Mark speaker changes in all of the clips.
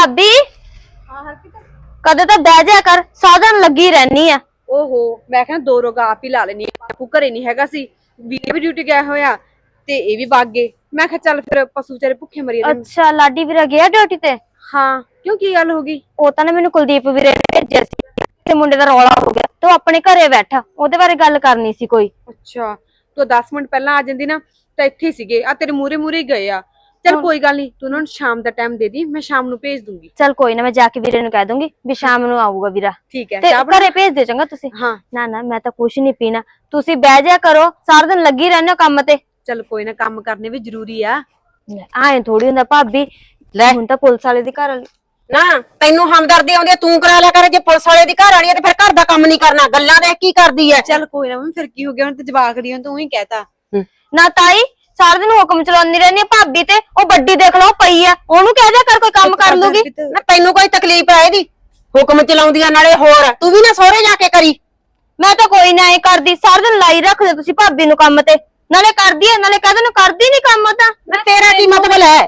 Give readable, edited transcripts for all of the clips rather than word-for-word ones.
Speaker 1: भाभी
Speaker 2: हाँ हरकत
Speaker 1: कदे तो बह जा कर साधन लगी रहनी है।
Speaker 2: ओहो मैं कहना दो रोगा आप ही ला लेनी बापू घरे नहीं हैगा सी ਵੀਰੇ ਵੀ ਡਿਊਟੀ ਗਿਆ ਹੋਇਆ ਤੇ ਇਹ ਵੀ ਵਗ ਗਏ ਮੈਂ ਕਿਹਾ ਚੱਲ ਫਿਰ ਪਸ਼ੂ ਵਿਚਾਰੇ ਭੁੱਖੇ ਮਰੀ ਜਾਂਦੇ
Speaker 1: अच्छा लाडी ਵੀਰਾ ਗਿਆ ਡਿਊਟੀ ਤੇ
Speaker 2: ਹਾਂ ਕਿਉਂ ਕੀ ਗੱਲ ਹੋ ਗਈ
Speaker 1: ਉਹ ਤਾਂ ਨਾ ਮੈਨੂੰ ਕੁਲਦੀਪ ਵੀਰੇ ਨੇ ਭੇਜਿਆ ਸੀ ਤੇ ਮੁੰਡੇ ਦਾ ਰੌਲਾ ਹੋ ਗਿਆ ਤੇ ਉਹ ਆਪਣੇ ਘਰੇ ਬੈਠਾ ਉਹਦੇ ਬਾਰੇ ਗੱਲ ਕਰਨੀ ਸੀ ਕੋਈ।
Speaker 2: ਅੱਛਾ ਤੂੰ 10 ਮਿੰਟ ਪਹਿਲਾਂ ਆ ਜਾਂਦੀ ਨਾ ਤਾਂ ਇੱਥੇ ਹੀ ਸੀਗੇ ਆ ਤੇਰੇ ਮੂਰੇ ਮੂਰੇ ਗਏ ਆ चल कोई गल नहीं तू ना शाम दा टाइम दे दी मैं शाम नु भेज दूंगी।
Speaker 1: चल कोई ना मैं जाके वीरे नु कह दूंगी भी शाम नु आऊगा वीरा।
Speaker 2: ठीक है
Speaker 1: ते घरे भेज दे चंगा तुसी।
Speaker 2: हाँ
Speaker 1: ना ना मैं तो कुछ नहीं पीना तुसी बह जा करो सारा दिन लगी रहने काम ते।
Speaker 2: चल कोई ना काम करने भी जरूरी आ
Speaker 1: आए थोड़ी हुंदा भाभी ले हुन तां पुलिस वाले दी घर वाली
Speaker 3: ना तैनू हमदर्दी आउंदी तू करा लिया कर जे पुलिस वाले दी घर वाली ते फिर घर दा काम नहीं करना गल्लां देख की करदी है।
Speaker 2: चल कोई ना फिर की हो गया हुन ते जवाक दी तू ही कहता
Speaker 1: ना ताई सारा दिन हुक्म चलाउंदी रहनी भाभी ते ओ बड्डी देख लो पई है ओनू कह दे कर कोई काम कर लूगी
Speaker 3: ना तैनू कोई तकलीफ है एदी हुक्म चलाउंदी नाले होर तू भी ना सोहरे जाके करी।
Speaker 1: मैं तो कोई ना करदी सारा दिन लाई रख दे तुसी भाभी नु काम ते नाले करदी है नाले कहदे नु करदी नहीं काम ता
Speaker 3: ना तेरा की मतलब है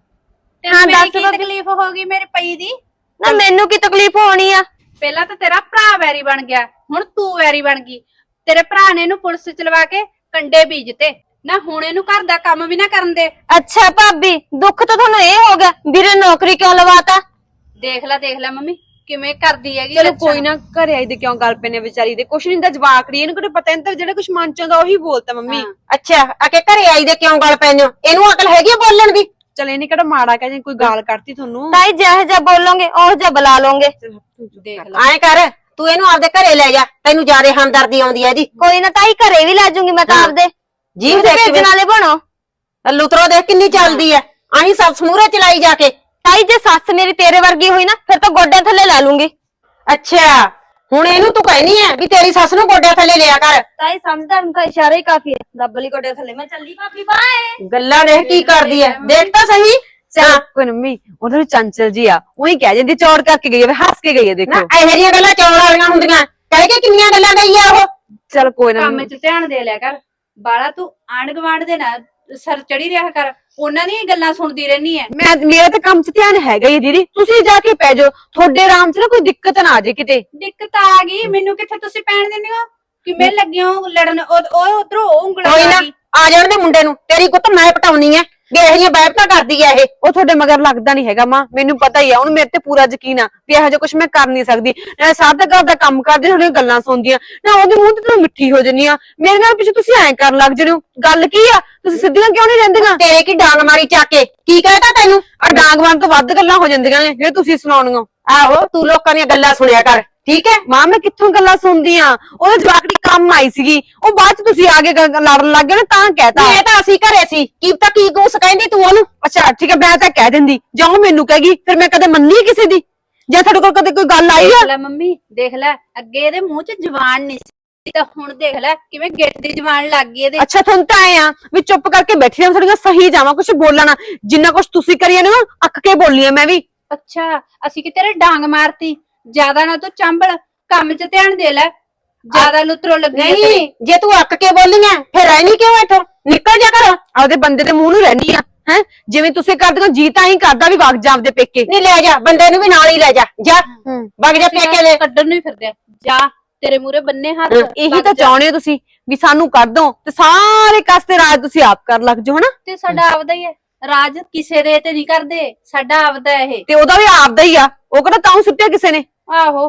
Speaker 1: हां
Speaker 4: मेरी
Speaker 1: दस
Speaker 4: की तकलीफ होगी मेरे पई दी
Speaker 1: ना मेनू की तकलीफ होनी है
Speaker 4: ਪਹਿਲਾਂ ਤਾਂ ਤੇਰਾ ਭਰਾ ਵੈਰੀ ਬਣ ਗਿਆ ਹੁਣ ਤੂੰ ਵੈਰੀ ਬਣ ਗਈ ਤੇਰੇ ਭਰਾ ਨੇ ਇਹਨੂੰ ਪੁਲਿਸ ਚ ਲਵਾ ਕੇ ਕੰਡੇ ਬੀਜਤੇ ਨਾ ਹੁਣ ਇਹਨੂੰ ਘਰ ਦਾ ਕੰਮ ਵੀ ਨਾ ਕਰਨ ਦੇ।
Speaker 1: अच्छा भाभी दुख तो थानू ये हो गया वीरे नौकरी क्यों लवाता
Speaker 4: ਦੇਖ ਲੈ ਮੰਮੀ ਕਿਵੇਂ ਕਰਦੀ ਹੈਗੀ
Speaker 2: चलो कोई ना घरे आई दे क्यों गल पे ने बेचारी दे कुछ नहीं दा जवाक दी इनु कोई पता नहीं जेड़ा कुछ मन च आंदा ओही बोलता मम्मी।
Speaker 3: अच्छा आके घरे आई दे क्यों गल पैने एनू अकल हैगी बोलण दी।
Speaker 2: चल इने केड़ा माड़ा कह जे कोई गाल करती थानू
Speaker 1: ताई जह जा बोलोगे ओह जा बुला लोगे
Speaker 4: ਦੇਖ ਲੈ
Speaker 3: आए कर तू एनू आपदे घरे ले जा तैनू ज्यादा हमदर्दी आउंदी है एदी।
Speaker 1: कोई ना ताई घरे भी ला जाऊंगी मैं तां आपदे
Speaker 3: जीव
Speaker 1: तुसी
Speaker 3: देख
Speaker 1: भेजण वाले बनो
Speaker 3: लुतरो देख किन्नी चलदी है आही सब समूरे चलाई जाके।
Speaker 1: ताई जे सस मेरी तेरे वर्गी हुई ना फिर तो गोड्डे थल्ले ला लूंगी।
Speaker 3: अच्छा हुण एनू तू कहनी है भी तेरी सस नू गोड्डे थल्ले लिया कर।
Speaker 1: ताई समझदा उनका इशारा ही काफी है दबली गोड्डे थल्ले मैं चली भाभी बाय
Speaker 3: गल्ला देख की करदी है देख तो सही।
Speaker 2: चल कोई मम्मी उधर चंचल जी आ वही कह जंदी चौड़ करके गई है हंस के गई है
Speaker 3: ना
Speaker 2: देखो
Speaker 3: ਇਹੋ ਜਿਹੀਆਂ ਗੱਲਾਂ ਚੌੜ ਵਾਲੀਆਂ ਹੁੰਦੀਆਂ ਕਹਿ ਕੇ ਕਿੰਨੀਆਂ ਗੱਲਾਂ ਗਈ ਆ ਉਹ।
Speaker 2: चल कोई ना
Speaker 4: ਕੰਮ 'ਚ ਧਿਆਨ ਦੇ ਲਿਆ ਕਰ ਬਾਲਾ ਤੂੰ ਆਂਢ ਗੁਆਂਢ ਦੇ ਨਾ ਸਰ ਚੜੀ ਰਿਹਾ ਕਰ ਉਹਨਾਂ ਦੀਆਂ ਗੱਲਾਂ ਸੁਣਦੀ ਰਹਿਨੀ ਹੈ।
Speaker 2: मैं मेरा तो काम च ध्यान हैगा ही दीदी तुसी जाके पै जाओ थोड़े आराम से ना कोई दिक्कत ना आ जाए किते।
Speaker 4: ਦਿੱਕਤ ਆ ਗਈ ਮੈਨੂੰ ਕਿੱਥੇ ਤੁਸੀਂ ਪੈਣ ਦਿੰਦੇ ਹੋ ਕਿਵੇਂ ਲੱਗੇ ਹੋ ਲੜਨ ਉਹ ਉਧਰੋਂ ਉਂਗਲਾਂ
Speaker 3: ਕੋਈ ਨਾ
Speaker 4: ਆ ਗਈ
Speaker 3: ਆ ਜਾਣ ਦੇ ਮੁੰਡੇ ਨੂੰ ਤੇਰੀ ਗੁੱਤ ਮੈਂ ਪਟਾਉਣੀ ਐ ਵੀ ਇਹੋ ਜਿਹੀਆਂ ਬੈਠਾਂ ਕਰਦੀ ਐ ਇਹ।
Speaker 2: ਉਹ ਤੁਹਾਡੇ ਮਗਰ ਲੱਗਦਾ ਨਹੀਂ ਹੈਗਾ ਮਾਂ ਮੈਨੂੰ ਪਤਾ ਹੀ ਆ ਉਹਨੂੰ ਮੇਰੇ ਤੇ ਪੂਰਾ ਯਕੀਨ ਆ ਵੀ ਇਹੋ ਜਿਹਾ ਕੁਝ ਮੈਂ ਕਰ ਨਹੀਂ ਸਕਦੀ ਨਾਲੇ ਸਾਦਾ ਘਰ ਦਾ ਕੰਮ ਕਰਦੀ ਤੁਹਾਡੀਆਂ ਗੱਲਾਂ ਸੁਣਦੀਆਂ ਨਾ ਉਹਦੇ ਮੂੰਹ ਤੇ ਤੂੰ ਮਿੱਠੀ ਹੋ ਜੰਨੀ ਆ ਮੇਰੇ ਨਾਲ ਪਿੱਛੇ ਤੁਸੀਂ ਐਂ ਕਰਨ ਲੱਗ ਜਣੇ ਹੋ ਗੱਲ ਕੀ ਆ ਤੁਸੀਂ ਸਿੱਧੀਆਂ ਕਿਉਂ ਨਹੀਂ ਰਹਿੰਦੀਆਂ
Speaker 3: ਤੇਰੇ ਕੀ ਡਾਂਗ ਮਾਰੀ ਚੱਕ ਕੇ ਕੀ ਕਹਿਤਾ ਤੈਨੂੰ।
Speaker 2: ਆ ਡਾਂਗਵਾਨ ਤੋਂ ਵੱਧ ਗੱਲਾਂ ਹੋ ਜਾਂਦੀਆਂ ਨੇ ਜਿਹੜੇ ਤੁਸੀਂ ਸੁਣਾਉਣੀਆਂ।
Speaker 3: ਆਹੋ ਤੂੰ ਲੋਕਾਂ ਦੀਆਂ ਗੱਲਾਂ ਸੁਣਿਆ ਕਰ ਠੀਕ ਹੈ।
Speaker 2: ਮਾਂ ਮੈਂ ਕਿੱਥੋਂ ਗੱਲਾਂ ਸੁਣਦੀ ਆ ਉਹਦੇ ਜਵਾਕ ਦੀ ਕੰਮ ਆਈ ਸੀਗੀ ਉਹ ਬਾਅਦ ਚ ਤੁਸੀਂ ਆ ਕੇ ਲੜਨ ਲੱਗ ਗਏ ਨਾ ਤਾਂ ਕਹਿਤਾ।
Speaker 3: ਇਹ ਤਾਂ ਅਸੀਂ ਘਰੇ ਸੀ ਕੀ ਪਤਾ ਕੀ ਗੁੱਸ ਕਹਿੰਦੀ ਤੂੰ ਉਹਨੂੰ।
Speaker 2: ਅੱਛਾ ਠੀਕ ਹੈ ਮੈਂ ਤਾਂ ਕਹਿ ਦਿੰਦੀ ਜਾਂ ਉਹ ਮੈਨੂੰ ਕਹੇਗੀ ਫਿਰ ਮੈਂ ਕਦੇ ਮੰਨੀ ਕਿਸੇ ਦੀ ਜੇ ਤੁਹਾਡੇ ਕੋਲ ਕਦੇ ਕੋਈ ਗੱਲ ਆਈ ਆ।
Speaker 4: ਦੇਖ ਲੈ ਮੰਮੀ ਦੇਖ ਲੈ ਅੱਗੇ ਇਹਦੇ ਮੂੰਹ 'ਚ ਜ਼ੁਬਾਨ ਨਹੀਂ ਸੀ ਤਾਂ ਹੁਣ ਦੇਖ ਲੈ ਕਿਵੇਂ ਗਿੱਟ ਦੀ ਜ਼ੁਬਾਨ ਲੱਗ ਗਈ ਇਹਦੇ।
Speaker 2: ਅੱਛਾ ਤੁਹਾਨੂੰ ਤਾਂ ਆਏ ਆ ਵੀ ਚੁੱਪ ਕਰਕੇ ਬੈਠੀ ਰਹਿ ਥੋੜੀਆਂ ਸਹੀ ਜਾਵਾਂ ਕੁਝ ਬੋਲਣਾ ਜਿੰਨਾ ਕੁਝ ਤੁਸੀਂ ਕਰੀਏ ਨਾ ਅੱਕ ਕੇ ਬੋਲੀ ਆ ਮੈਂ ਵੀ।
Speaker 4: ਅੱਛਾ ਅਸੀਂ ਕਿ ਤੇਰੇ ਡਾਂਗ ਮਾਰਤੀ ਜਿਆਦਾ ਨਾ ਤੂੰ ਚੰਬਲ ਕੰਮ 'ਚ ਧਿਆਨ ਦੇ ਲੈ ਜਿਆਦਾ ਲੁਤਰੋ ਲੱਗੀ ਹੈ ਤੇਰੀ।
Speaker 3: ਨਹੀਂ ਜੇ ਤੂੰ ਅੱਕ ਕੇ ਬੋਲੀਆਂ ਫਿਰ ਰਹਿਣੀ ਕਿਉਂ ਇੱਥੋਂ ਨਿਕਲ ਜਾ ਕਰ।
Speaker 2: ਆਪਦੇ ਬੰਦੇ ਦੇ ਮੂੰਹ ਨੂੰ ਰਹਿਣੀ ਆ ਹੈ ਜਿਵੇਂ ਤੁਸੀਂ ਕਰਦੇ ਹੋ ਜੀ ਤਾਂ ਹੀ ਕਰਦਾ ਵੀ ਵਗ ਜਾ ਆਪਦੇ ਪੇਕੇ।
Speaker 3: ਨਹੀਂ ਲੈ ਜਾ ਬੰਦੇ ਨੂੰ ਵੀ ਨਾਲ ਹੀ ਲੈ ਜਾ ਜਾ ਵਗ ਜਾ ਪੇਕੇ ਦੇ।
Speaker 4: ਕੱਢਣ ਨੂੰ ਹੀ ਫਿਰਦੇ ਆ। ਜਾ ਤੇਰੇ ਮੂਰੇ ਬੰਨੇ ਹੱਥ
Speaker 2: ਇਹੀ ਤਾਂ ਚਾਹੁੰਦੇ ਹੋ ਤੁਸੀਂ ਵੀ ਸਾਨੂੰ ਕਰ ਦੋ ਤੇ ਸਾਰੇ ਕਸਤੇ ਰਾਜ ਤੁਸੀਂ ਆਪ ਕਰ ਲੱਗ ਜਾਓ ਹਨਾ।
Speaker 4: ਤੇ ਸਾਡਾ ਆਪਦਾ ਹੀ ਹੈ ਰਾਜ ਕਿਸੇ ਦੇ ਤੇ ਨਹੀਂ ਕਰਦੇ ਸਾਡਾ ਆਪਦਾ ਇਹ।
Speaker 2: ਤੇ ਉਹਦਾ ਵੀ ਆਪਦਾ ਹੀ ਆ ਉਹ ਕਿਹੜਾ ਤਾਂ ਸੁੱਟਿਆ ਕਿਸੇ ਨੇ।
Speaker 4: ਆਹੋ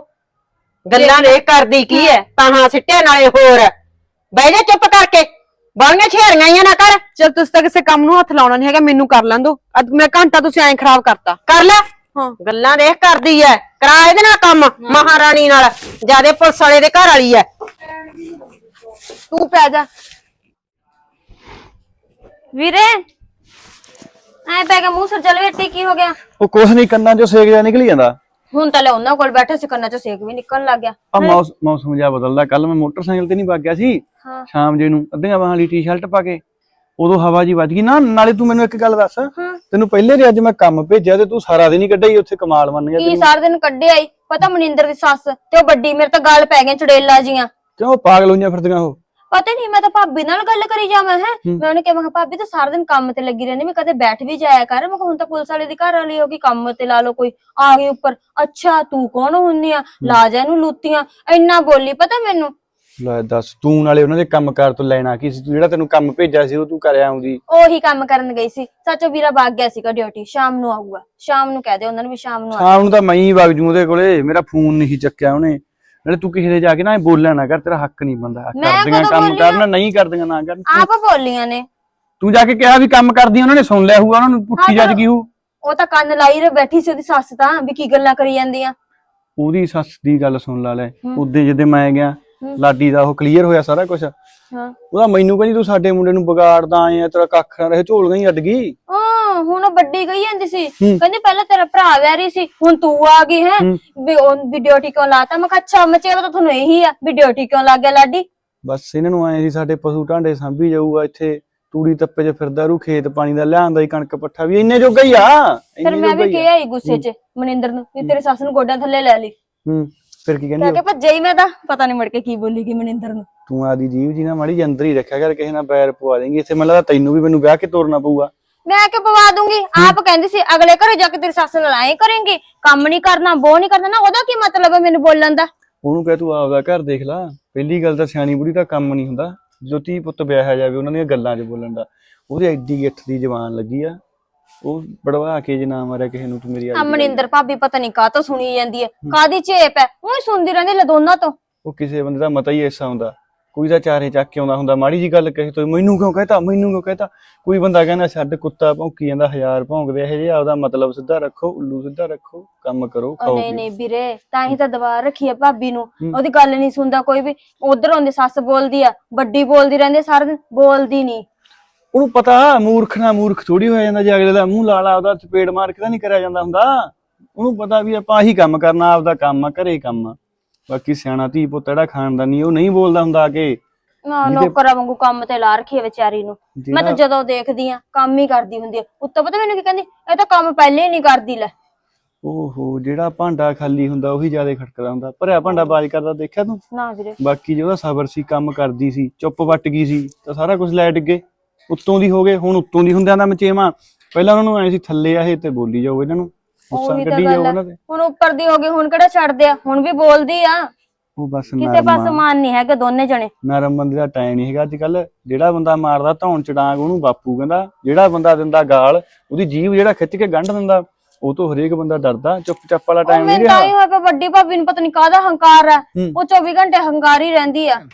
Speaker 3: ਗੱਲਾਂ ਦੇ ਕਰਦੀ ਕੀ ਐ ਤਾਹਾਂ ਸਿੱਟਿਆ ਨਾਲੇ ਹੋਰ ਬਹਿ ਜਾ ਚੁੱਪ ਕਰਕੇ ਬਾਲੀਆਂ ਛੇੜੀਆਂ ਹੀ ਨਾ ਕਰ।
Speaker 2: ਚਲ ਤੁਸੀਂ ਤਾਂ ਕਿਸੇ ਕੰਮ ਨੂੰ ਹੱਥ ਲਾਉਣਾ ਨਹੀਂ ਹੈਗਾ ਮੈਨੂੰ ਕਰ ਲੈਣ ਦੋ ਅੱਜ ਮੈਂ ਘੰਟਾ ਤੁਸੀਂ ਐਂ ਖਰਾਬ ਕਰਤਾ।
Speaker 3: ਕਰ ਲੈ
Speaker 2: ਹਾਂ
Speaker 3: ਗੱਲਾਂ ਦੇਖ ਕਰਦੀ ਐ ਕਰਾ ਇਹਦੇ ਨਾਲ ਕੰਮ ਮਹਾਰਾਣੀ ਨਾਲ ਜਿਆਦੇ ਪੁਲਿਸ ਵਾਲੇ ਦੇ ਘਰ ਵਾਲੀ ਐ।
Speaker 2: ਤੂੰ ਪੈ ਜਾ
Speaker 1: ਵੀਰੇ ਐ ਪੈ ਗਿਆ ਮੂੰਹ ਸਰ ਚਲ ਵੇਟੀ ਕੀ ਹੋ ਗਿਆ।
Speaker 5: ਉਹ ਕੁਛ ਨਹੀਂ ਕੰਨਾਂ ਚੋਂ ਸੇਕ ਜਾ ਨਿਕਲ ਜਾਂਦਾ।
Speaker 1: ਹੁਣ ਤਾਂ ਲੈ ਉਹਨਾਂ ਕੋਲ ਬੈਠੇ ਸੀ ਕੰਨਾਂ ਚੋਂ ਸੇਕ ਵੀ ਨਿਕਲਣ ਲੱਗ ਗਿਆ।
Speaker 5: ਆ ਮੌਸਮ ਜਿਹਾ ਬਦਲਦਾ ਕੱਲ ਮੈਂ ਮੋਟਰਸਾਈਕਲ ਤੇ ਨਹੀਂ ਵਗ ਗਿਆ ਸੀ
Speaker 1: ਹਾਂ
Speaker 5: ਸ਼ਾਮ ਜੇ ਨੂੰ ਅੱਧੀਆਂ ਬਾਹਾਂ ਵਾਲੀ ਟੀ-ਸ਼ਰਟ ਪਾ ਕੇ ਉਦੋਂ ਹਵਾ ਜੀ ਵੱਜ ਗਈ ਨਾ। ਨਾਲੇ ਤੂੰ ਮੈਨੂੰ ਇੱਕ ਗੱਲ ਦੱਸ ਤੈਨੂੰ ਪਹਿਲੇ ਦੇ ਅੱਜ ਮੈਂ ਕੰਮ ਭੇਜਿਆ ਤੇ ਤੂੰ ਸਾਰਾ ਦਿਨ ਹੀ ਕੱਢਿਆ ਹੀ ਉੱਥੇ ਕਮਾਲ ਮੰਨ ਗਿਆ
Speaker 1: ਕੀ ਸਾਰਾ ਦਿਨ ਕੱਢੇ ਆਈ ਪਤਾ ਮਨਿੰਦਰ ਦੀ ਸੱਸ ਤੇ ਉਹ ਵੱਡੀ ਮੇਰੇ ਤਾਂ ਗੱਲ ਪੈ ਗਈਆਂ ਚੜੇਲਾ ਜੀਆਂ।
Speaker 5: ਕਿਉਂ ਪਾਗਲ ਹੋਈਆਂ ਫਿਰਦੀਆਂ ਉਹ।
Speaker 1: ਪਤਾ ਨਹੀਂ ਮੈਂ ਤਾਂ ਭਾਬੀ ਨਾਲ ਗੱਲ ਕਰੀ ਜਾਵਾਂ ਹੈ ਮੈਂ ਉਹਨੇ ਕਿਹਾ ਮੈਂ ਕਿਹਾ ਭਾਬੀ ਤਾਂ ਸਾਰਾ ਦਿਨ ਕੰਮ ਤੇ ਲੱਗੀ ਰਹਿੰਦੀ ਮੈਂ ਕਦੇ ਬੈਠ ਵੀ ਜਾਇਆ ਕਰ ਮੈਂ ਕਿਹਾ ਹੁਣ ਤਾਂ ਪੁਲਿਸ ਵਾਲੇ ਦੀ ਘਰ ਵਾਲੀ ਹੋ ਗਈ ਕੰਮ ਤੇ ਲਾ ਲਓ ਕੋਈ ਆ ਗਈ ਉੱਪਰ ਅੱਛਾ ਤੂੰ ਕੌਣ ਹੁੰਨੀ ਆ ਲਾ ਜਾ ਇਹਨੂੰ ਲੂਤੀਆਂ ਇੰਨਾ ਬੋਲੀ ਪਤਾ ਮੈਨੂੰ
Speaker 5: ਲੈ ਦੱਸ ਤੂੰ ਨਾਲੇ ਉਹਨਾਂ ਦੇ ਕੰਮਕਾਰ ਤੋਂ ਲੈਣਾ ਕੀ ਸੀ ਤੂੰ ਜਿਹੜਾ ਤੈਨੂੰ ਕੰਮ ਭੇਜਿਆ ਸੀ ਉਹ ਤੂੰ ਕਰ ਆਉਂਦੀ
Speaker 1: ਉਹੀ ਕੰਮ ਕਰਨ ਗਈ ਸੀ ਸੱਚੋ ਵੀਰਾ ਭਾਗ ਗਿਆ ਸੀਗਾ ਡਿਊਟੀ ਸ਼ਾਮ ਨੂੰ ਆਊਗਾ ਸ਼ਾਮ ਨੂੰ ਕਹਿ ਦੇ ਉਹਨਾਂ ਨੂੰ ਵੀ ਸ਼ਾਮ ਨੂੰ ਆ
Speaker 5: ਸ਼ਾਮ ਨੂੰ ਤਾਂ ਮੈਂ ਹੀ ਵਗ ਜੂ ਉਹਦੇ ਕੋਲੇ ਮੇਰਾ ਫੋਨ ਨਹੀਂ ਚੱਕਿਆ ਉਹਨੇ ਨਾਲੇ ਤੂੰ ਕਿਸੇ ਦੇ ਜਾ ਕੇ ਨਾ ਬੋਲਿਆ ਨਾ ਕਰ ਤੇਰਾ ਹੱਕ ਨਹੀਂ ਬੰਦਾ ਕਰਦੀਆਂ ਕੰਮ ਕਰਨਾ ਨਹੀਂ ਕਰਦੀਆਂ ਨਾ ਕਰਨ
Speaker 1: ਆਪ ਬੋਲੀਆਂ ਨੇ
Speaker 5: ਤੂੰ ਜਾ ਕੇ ਕਿਹਾ ਵੀ ਕੰਮ ਕਰਦੀਆਂ ਉਹਨਾਂ ਨੇ ਸੁਣ ਲਿਆ ਹੋਊਗਾ ਉਹਨਾਂ ਨੂੰ ਪੁੱਠੀ ਜੱਜ ਗਈ ਹੋਊ
Speaker 1: ਉਹ ਤਾਂ ਕੰਨ ਲਾਈ ਰ ਬੈਠੀ ਸੀ ਉਹਦੀ ਸੱਸ ਤਾਂ ਵੀ ਕੀ ਗੱਲਾਂ ਕਰੀ ਜਾਂਦੀਆਂ
Speaker 5: ਉਹਦੀ ਸੱਸ ਦੀ ਗੱਲ ਸੁਣ ਲਾ ਲੈ ਉਦੋਂ ਜਦੋਂ ਮੈਂ ਗਿਆ ਲਾਡੀ ਦਾ ਉਹ ਕਲੀਅਰ ਹੋਇਆ ਸਾਰਾ ਕੁਝ
Speaker 1: ਹਾਂ
Speaker 5: ਉਹਦਾ ਮੈਨੂੰ ਕਹਿੰਦੀ ਤੂੰ ਸਾਡੇ ਮੁੰਡੇ ਨੂੰ ਵਿਗਾੜਦਾ ਆਏ ਆ ਤੇਰਾ ਕੱਖ ਨਾ ਰਹੇ ਝੋਲ ਗਈ ਅੱਡ ਗਈ
Speaker 1: ਹੁਣ ਉਹ ਵੱਡੀ ਗਈ ਜਾਂਦੀ ਸੀ ਕਹਿੰਦੀ ਪਹਿਲਾਂ ਤੇਰਾ ਭਰਾ ਵੈਰੀ ਸੀ ਹੁਣ ਤੂੰ ਆ ਗਈ ਹੈ ਵੀ ਉਹ ਵੀ ਡਿਊਟੀ ਕਿਉਂ ਲਾਤਾ ਮੈਂ ਕਿਹਾ ਅੱਛਾ ਮਚੇਵਾ ਤਾਂ ਤੁਹਾਨੂੰ ਇਹੀ ਆ ਵੀ ਡਿਊਟੀ ਕਿਉਂ ਲੱਗ ਗਿਆ ਲਾਡੀ
Speaker 5: ਬਸ ਇਹਨਾਂ ਨੂੰ ਆਏ ਸੀ ਸਾਡੇ ਪਸ਼ੂ ਢਾਂਡੇ ਸਾਂਭੀ ਜਾਊਗਾ ਇੱਥੇ ਤੂੜੀ ਤੱਪੇ 'ਚ ਫਿਰਦਾ ਰੂ ਖੇਤ ਪਾਣੀ ਦਾ ਲਿਆਂਦਾ ਹੀ ਕਣਕ ਪੱਠਾ ਵੀ ਇੰਨੇ ਜੋਗਾ ਹੀ ਆ
Speaker 1: ਫਿਰ ਮੈਂ ਵੀ ਕਿਹਾ ਹੀ ਗੁੱਸੇ 'ਚ ਮਨਿੰਦਰ ਨੂੰ ਵੀ ਤੇਰੀ ਸੱਸ ਨੂੰ ਗੋਡਿਆਂ ਥੱਲੇ ਲੈ ਲਈ
Speaker 5: ਫਿਰ ਕੀ ਕਹਿੰਦੀ
Speaker 1: ਕਿ ਭੱਜੇ ਹੀ ਮੈਂ ਤਾਂ ਪਤਾ ਨਹੀਂ ਮੁੜ ਕੇ ਕੀ ਬੋਲੀਗੀ ਮਨਿੰਦਰ ਨੂੰ
Speaker 5: ਤੂੰ ਆਦੀ ਜੀਵ ਜੀ ਨਾ ਮਾੜੀ ਅੰਦਰ ਹੀ ਰੱਖਿਆ ਕਰ ਕਿਸੇ ਨਾਲ ਪੈਰ ਪਵਾ ਦੇਂਗੀ ਇੱਥੇ ਮੈਨੂੰ ਲੱਗਦਾ ਤੈਨੂੰ ਵੀ ਮੈਨੂੰ ਵਿਆਹ ਕੇ ਤੋਰਨਾ ਪਊਗਾ
Speaker 1: ਮੈਂ ਕਿ ਪਵਾ ਦੂੰਗੀ ਆਪ ਕਹਿੰਦੀ ਸੀ ਅਗਲੇ ਘਰੇ ਜਾ ਕੇ ਤੇਰੀ ਸੱਸ ਨਾਲ ਆਏ ਕरेंगे ਕੰਮ ਨਹੀਂ ਕਰਨਾ ਬੋ ਨਹੀਂ ਕਰਨਾ ਨਾ ਉਹਦਾ ਕੀ ਮਤਲਬ ਹੈ ਮੈਨੂੰ ਬੋਲਣ ਦਾ
Speaker 5: ਉਹਨੂੰ ਕਹਿ ਤੂੰ ਆਪਦਾ ਘਰ ਦੇਖ ਲੈ ਪਹਿਲੀ ਗੱਲ ਤਾਂ ਸਿਆਣੀ ਬੁੜੀ ਦਾ ਕੰਮ ਨਹੀਂ ਹੁੰਦਾ ਜਦੋਂ ਧੀ ਪੁੱਤ ਵਿਆਹਿਆ ਜਾਵੇ ਉਹਨਾਂ ਦੀਆਂ ਗੱਲਾਂ 'ਚ ਬੋਲਣ ਦਾ ਉਹਦੀ ਐਡੀ ਗਿੱਠ ਦੀ ਜ਼ਬਾਨ ਲੱਗੀ ਆ ਉਹ ਬੜਵਾ ਕੇ ਜੇ ਨਾ ਮਾਰਿਆ ਕਿਸੇ ਨੂੰ ਤੂੰ ਮੇਰੀ
Speaker 1: ਮਨਿੰਦਰ ਭਾਬੀ ਪਤਾ ਨਹੀਂ ਕਾਹ ਤੋਂ ਸੁਣੀ ਜਾਂਦੀ ਹੈ ਕਾਦੀ ਝੇਪ ਹੈ ਉਹ ਸੁਣਦੀ ਰਹਿੰਦੀ ਲੈ ਦੋਨਾਂ ਤੋਂ
Speaker 5: ਉਹ ਕਿਸੇ ਬੰਦੇ ਦਾ ਮਤਾ ਹੀ ਐਸਾ ਹੁੰਦਾ ਕੋਈ ਤਾਂ ਚਾਰੇ ਚੱਕ ਕੇ ਆਉਂਦਾ ਹੁੰਦਾ ਮਾੜੀ ਜੀ ਗੱਲ ਕਹੇ ਤੋ ਮੈਨੂੰ ਕਿਉਂ ਕਹਤਾ ਕੋਈ ਬੰਦਾ ਕਹਿੰਦਾ ਛੱਡ ਕੁੱਤਾ ਭੌਂਕੀ ਜਾਂਦਾ 1000 ਭੌਂਕਦੇ ਇਹ ਜੇ ਆਪਦਾ ਮਤਲਬ ਸਿੱਧਾ ਰੱਖੋ ਉੱਲੂ ਸਿੱਧਾ ਰੱਖੋ ਕੰਮ ਕਰੋ ਖਾਓ
Speaker 1: ਨਹੀਂ ਵੀਰੇ ਤਾਂ ਹੀ ਤਾਂ ਦਵਾ ਰੱਖੀ ਆ ਭਾਬੀ ਨੂੰ ਉਹਦੀ ਗੱਲ ਨਹੀਂ ਸੁਣਦਾ ਕੋਈ ਵੀ ਉਧਰ ਆਉਂਦੀ ਸੱਸ ਬੋਲਦੀ ਆ ਵੱਡੀ ਬੋਲਦੀ ਰਹਿੰਦੀ ਸਾਰਾ ਦਿਨ ਬੋਲਦੀ ਨਹੀਂ
Speaker 5: ਉਹਨੂੰ ਪਤਾ ਮੂਰਖ ਥੋੜੀ ਹੋ ਜਾਂਦਾ ਜੇ ਅਗਲੇ ਦਾ ਮੂੰਹ ਲਾਲਾ ਉਹਦਾ ਚਪੇੜ ਮਾਰ ਕੇ ਤਾਂ ਨਹੀਂ ਕਰਿਆ ਜਾਂਦਾ ਹੁੰਦਾ ਉਹਨੂੰ ਪਤਾ ਵੀ ਆਪਾਂ ਆਹੀ ਕੰਮ ਕਰਨਾ ਆਪਦਾ ਕੰਮ ਆ ਘਰੇ ਕੰਮ ਆ ਬਾਕੀ ਸਿਆਣਾ ਧੀ ਪੁੱਤ ਜਿਹੜਾ ਖਾਨਦਾਨੀ ਉਹ ਨਹੀਂ ਬੋਲਦਾ ਹੁੰਦਾ ਕਿ
Speaker 1: ਨੌਕਰਾਂ ਵਾਂਗੂ ਕੰਮ ਤੇ ਲਾ ਰੱਖੀ ਆ ਵਿਚਾਰੀ ਨੂੰ ਮੈਂ ਤਾਂ ਜਦੋਂ ਦੇਖਦੀ ਆ ਕੰਮ ਹੀ ਕਰਦੀ ਹੁੰਦੀ ਆ ਉੱਤੋਂ ਪਤਾ ਮੈਨੂੰ ਕੀ ਕਹਿੰਦੀ ਇਹ ਤਾਂ ਕੰਮ ਪਹਿਲੇ ਹੀ ਨਹੀਂ ਕਰਦੀ ਲੈ
Speaker 5: ਓਹੋ ਜਿਹੜਾ ਭਾਂਡਾ ਖਾਲੀ ਹੁੰਦਾ ਉਹੀ ਜ਼ਿਆਦਾ ਖੜਕਦਾ ਹੁੰਦਾ ਭਰਿਆ ਭਾਂਡਾ ਬਾਜ ਕਰਦਾ ਦੇਖਿਆ ਤੂੰ
Speaker 1: ਨਾ ਵੀਰੇ
Speaker 5: ਬਾਕੀ ਜਿਹਦਾ ਸਬਰ ਸੀ ਕੰਮ ਕਰਦੀ ਸੀ ਚੁੱਪ ਵੱਟ ਗਈ ਸੀ ਤਾਂ ਸਾਰਾ ਕੁਝ ਲੈ ਡਿੱਗੇ ਉੱਤੋਂ ਦੀ ਹੋ ਗਏ ਹੁਣ ਉੱਤੋਂ ਦੀ ਹੁੰਦਿਆਂ ਦਾ ਮਚੇਵਾ ਪਹਿਲਾਂ ਉਹਨਾਂ ਨੂੰ ਐ ਸੀ ਥੱਲੇ ਆਏ ਤੇ ਬੋਲੀ ਜਾਓ ਇਹਨਾਂ ਨੂੰ ਗੁੱਸਾ ਕੱਢੀ ਜਾਓ ਉਹਨਾਂ ਤੇ
Speaker 1: ਹੁਣ ਉੱਪਰ ਦੀ ਹੋ ਗਈ ਹੁਣ ਕਿਹੜਾ ਛੱਡਦੇ ਆ ਹੁਣ ਵੀ ਬੋਲਦੀ ਆ
Speaker 5: ਉਹ ਬਸ
Speaker 1: ਕਿਸੇ ਪਾਸੇ ਮਾਨ ਨਹੀਂ ਹੈਗਾ ਦੋਨੇ ਜਣੇ
Speaker 5: ਨਰਮ ਬੰਦੇ ਦਾ ਟਾਈਮ ਨਹੀਂ ਹੈਗਾ ਅੱਜ ਕੱਲ ਜਿਹੜਾ ਬੰਦਾ ਮਾਰਦਾ ਧੌਣ ਚ ਡਾਂਗ ਉਹਨੂੰ ਬਾਪੂ ਕਹਿੰਦਾ ਜਿਹੜਾ ਬੰਦਾ ਦਿੰਦਾ ਗਾਲ ਉਹਦੀ ਜੀਭ ਜਿਹੜਾ ਖਿੱਚ ਕੇ ਗੰਢ ਦਿੰਦਾ ਉਹ ਤੋਂ ਹਰੇਕ ਬੰਦਾ ਡਰਦਾ ਚੁੱਪ ਚਾਪ ਵਾਲਾ ਟਾਈਮ ਨਹੀਂ ਰਿਹਾ
Speaker 1: ਹੋਇਆ ਪਿਆ ਵੱਡੀ ਭਾਬੀ ਨੂੰ ਪਤਾ ਨਹੀਂ ਕਾਹਦਾ ਹੰਕਾਰ ਆ ਉਹ 24 ਘੰਟੇ ਹੰਕਾਰੀ ਰਹਿੰਦੀ ਆ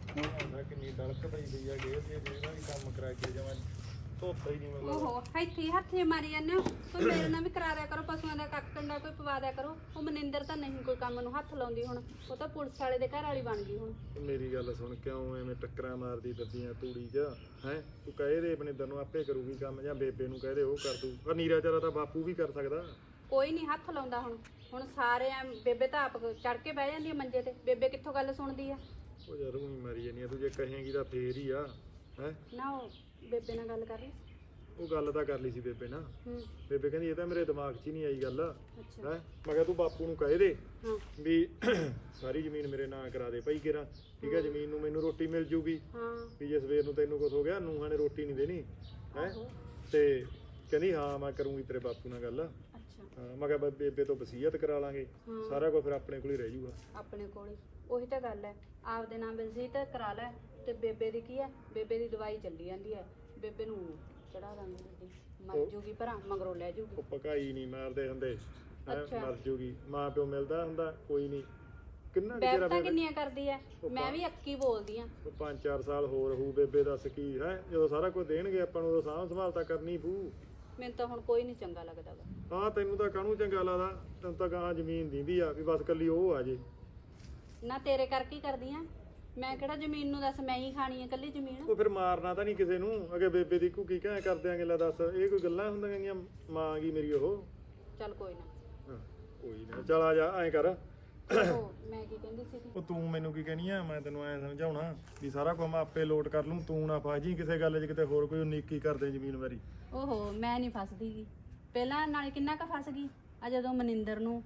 Speaker 4: ਓਹੋ ਇੱਥੇ ਹੱਥੇ ਮਾਰੀ ਜਾਂਦੇ ਹੋ ਕੋਈ ਮੇਰੇ ਨਾਲ ਵੀ ਕਰਾ ਦਿਆ ਕਰੋ ਪਸ਼ੂਆਂ ਦਾ ਕੱਖ ਕੰਡਾ ਕੋਈ ਪਵਾ ਦਿਆ ਕਰੋ ਉਹ ਮਨਿੰਦਰ ਤਾਂ ਨਹੀਂ ਕੋਈ ਕੰਮ ਨੂੰ ਹੱਥ ਲਾਉਂਦੀ ਹੁਣ ਉਹ ਤਾਂ ਪੁਲਿਸ ਵਾਲੇ ਦੇ ਘਰ ਵਾਲੀ ਬਣ ਗਈ ਹੁਣ
Speaker 6: ਮੇਰੀ ਗੱਲ ਸੁਣ ਕਿਉਂ ਐਵੇਂ ਟੱਕਰਾਂ ਮਾਰਦੀ ਫਿਰਦੀਆਂ ਤੂੜੀ 'ਚ ਹੈ ਤੂੰ ਕਹੇ ਦੇ ਮਨਿੰਦਰ ਨੂੰ ਆਪੇ ਕਰੂਗੀ ਕੰਮ ਜਾਂ ਬੇਬੇ ਨੂੰ ਕਹਦੇ ਉਹ ਕਰ ਦੂ ਪਰ ਨੀਰਾ ਚਾਰਾ ਤਾਂ ਬਾਪੂ ਵੀ ਕਰ ਸਕਦਾ
Speaker 4: ਕੋਈ ਨਹੀਂ ਹੱਥ ਲਾਉਂਦਾ ਹੁਣ ਸਾਰੇ ਐ ਬੇਬੇ ਤਾਂ ਆਪ ਚੜ ਕੇ ਬਹਿ ਜਾਂਦੀ ਆ ਮੰਜੇ ਤੇ ਬੇਬੇ ਕਿੱਥੋਂ ਗੱਲ ਸੁਣਦੀ ਆ
Speaker 6: ਉਹ ਯਾਰ ਉਹੀ ਮਾਰੀ ਜਾਨੀ ਆ ਤੂੰ ਜੇ ਕਹੇਂਗੀ ਤਾਂ ਫੇਰ ਹੀ ਆ ਹੈ
Speaker 4: ਨਾ ਉਹ ਬੇਬੇ ਨਾਲ ਗੱਲ ਕਰ ਲਈ
Speaker 6: ਉਹ ਗੱਲ ਤਾਂ ਕਰ ਲਈ ਸੀ ਬੇਬੇ ਨਾਲ ਬੇਬੇ ਕਹਿੰਦੀ ਇਹ ਤਾਂ ਮੇਰੇ ਦਿਮਾਗ 'ਚ ਹੀ ਨਹੀਂ ਆਈ ਗੱਲ ਹੈ
Speaker 4: ਅੱਛਾ
Speaker 6: ਮੈਂ ਕਿਹਾ ਤੂੰ ਬਾਪੂ ਨੂੰ ਕਹੇ ਦੇ
Speaker 4: ਹਾਂ
Speaker 6: ਵੀ ਸਾਰੀ ਜ਼ਮੀਨ ਮੇਰੇ ਨਾਂ ਕਰਾ ਦੇ ਭਾਈ ਕਿਰਾ ਠੀਕ ਹੈ ਜ਼ਮੀਨ ਨੂੰ ਮੈਨੂੰ ਰੋਟੀ ਮਿਲ ਜੂਗੀ
Speaker 4: ਹਾਂ
Speaker 6: ਵੀ ਜੇ ਸਵੇਰ ਨੂੰ ਤੈਨੂੰ ਕੁਝ ਹੋ ਗਿਆ ਨੂੰਹਾਂ ਨੇ ਰੋਟੀ ਨਹੀਂ ਦੇਣੀ ਹੈ ਤੇ ਕਹਿੰਦੀ ਹਾਂ ਮੈਂ ਕਰੂੰਗੀ ਤੇਰੇ ਬਾਪੂ ਨਾਲ ਗੱਲ
Speaker 4: ਅੱਛਾ
Speaker 6: ਹਾਂ ਮੈਂ ਕਿਹਾ ਬੇਬੇ ਤੋਂ ਵਸੀਅਤ ਕਰਾ ਲਾਂਗੇ ਸਾਰਾ ਕੁਝ ਫਿਰ ਆਪਣੇ ਕੋਲ ਹੀ ਰਹਿ ਜਾਊਗਾ
Speaker 4: ਆਪਣੇ ਕੋਲ ਹੀ ਉਹੀ ਤਾਂ ਗੱਲ ਹੈ ਆਪਦੇ ਨਾਮ ਵਸੀਅਤ ਕਰਾ ਲੈ ਤੇ ਬੇਬੇ ਦੀ ਕੀ ਹੈ ਬੇਬੇ ਦੀ ਦਵਾਈ ਚੱਲੀ ਜਾਂਦੀ ਹੈ ਬੇਬੇ ਨੂੰ ਚੜਾ ਦਾਂਗੇ ਮਰ ਜੂਗੀ ਭਰਾ ਮਗਰੋਂ ਲੈ ਜੂਗੀ
Speaker 6: ਉਹ ਪਕਾਈ ਨਹੀਂ ਮਾਰਦੇ ਹੁੰਦੇ ਮਰ ਜੂਗੀ ਮਾਂ ਪਿਓ ਮਿਲਦਾ ਹੁੰਦਾ ਕੋਈ ਨਹੀਂ ਕਿੰਨਾ
Speaker 4: ਬੇਬੇ ਕਿੰਨੀਆਂ ਕਰਦੀ ਐ ਮੈਂ ਵੀ ਅੱਕੀ ਬੋਲਦੀ ਆ
Speaker 6: 5-4 ਸਾਲ ਹੋਰ ਹੋਊ ਬੇਬੇ ਦੱਸ ਕੀ ਹੈ ਜਦੋਂ ਸਾਰਾ ਕੁਝ ਦੇਣਗੇ ਆਪਾਂ ਨੂੰ ਸਾਂਭ ਸੰਭਾਲ ਤਾਂ ਕਰਨੀ ਪਊ
Speaker 4: ਮੈਨੂੰ ਤਾਂ ਹੁਣ ਕੋਈ ਨਹੀਂ ਚੰਗਾ ਲੱਗਦਾ ਵਾ
Speaker 6: ਹਾਂ ਤੈਨੂੰ ਤਾਂ ਕਾਹਨੂੰ ਚੰਗਾ ਲੱਗਦਾ ਤੈਨੂੰ ਤਾਂ ਗਾਂ ਜ਼ਮੀਨ ਦਿੰਦੀ ਆ ਵੀ ਬਸ ਕੱਲੀ ਉਹ ਆ ਜੇ
Speaker 4: ਨਾ ਤੇਰੇ ਕਰਕੇ ਹੀ ਕਰਦੀ ਆ ਮੈਂ ਕਿਹੜਾ ਜ਼ਮੀਨ ਨੂੰ ਦੱਸ ਮੈਂ ਹੀ ਖਾਣੀ ਆ ਕੱਲੀ ਜ਼ਮੀਨ
Speaker 6: ਉਹ ਫਿਰ ਮਾਰਨਾ ਤਾਂ ਨਹੀਂ ਕਿਸੇ ਨੂੰ ਅਗੇ ਬੇਬੇ ਦੀ ਘੁੱਗੀ ਕਹਿ ਕਰ ਦਿਆਂਗੇ ਲੈ ਦੱਸ ਇਹ ਕੋਈ ਗੱਲਾਂ ਹੁੰਦੀਆਂ ਗਈਆਂ ਮਾਂ ਗਈ ਮੇਰੀ ਉਹ
Speaker 4: ਚੱਲ ਕੋਈ ਨਾ
Speaker 6: ਕੋਈ ਨਾ ਚੱਲ ਆ ਜਾ ਐਂ ਕਰ
Speaker 4: ਮੈਂ ਕੀ ਕਹਿੰਦੀ ਸੀ
Speaker 6: ਉਹ ਤੂੰ ਮੈਨੂੰ ਕੀ ਕਹਿਣੀ ਆ ਮੈਂ ਤੈਨੂੰ ਐਂ ਸਮਝਾਉਣਾ ਵੀ ਸਾਰਾ ਕੁਝ ਮੈਂ ਆਪੇ ਲੋਟ ਕਰ ਲੂੰ ਤੂੰ ਨਾ ਫਸ ਜੀ ਕਿਸੇ ਗੱਲ 'ਚ ਕਿਤੇ ਹੋਰ ਕੋਈ ਉਨੀਕੀ ਕਰਦੇ ਜ਼ਮੀਨ ਵਾਰੀ
Speaker 4: ਓਹੋ ਮੈਂ ਨਹੀਂ ਫਸਦੀ ਗੀ ਪਹਿਲਾਂ ਨਾਲੇ ਕਿੰਨਾ ਕੁ ਫਸ ਗਈ ਆ ਜਦੋਂ ਮਨਿੰਦਰ ਨੂੰ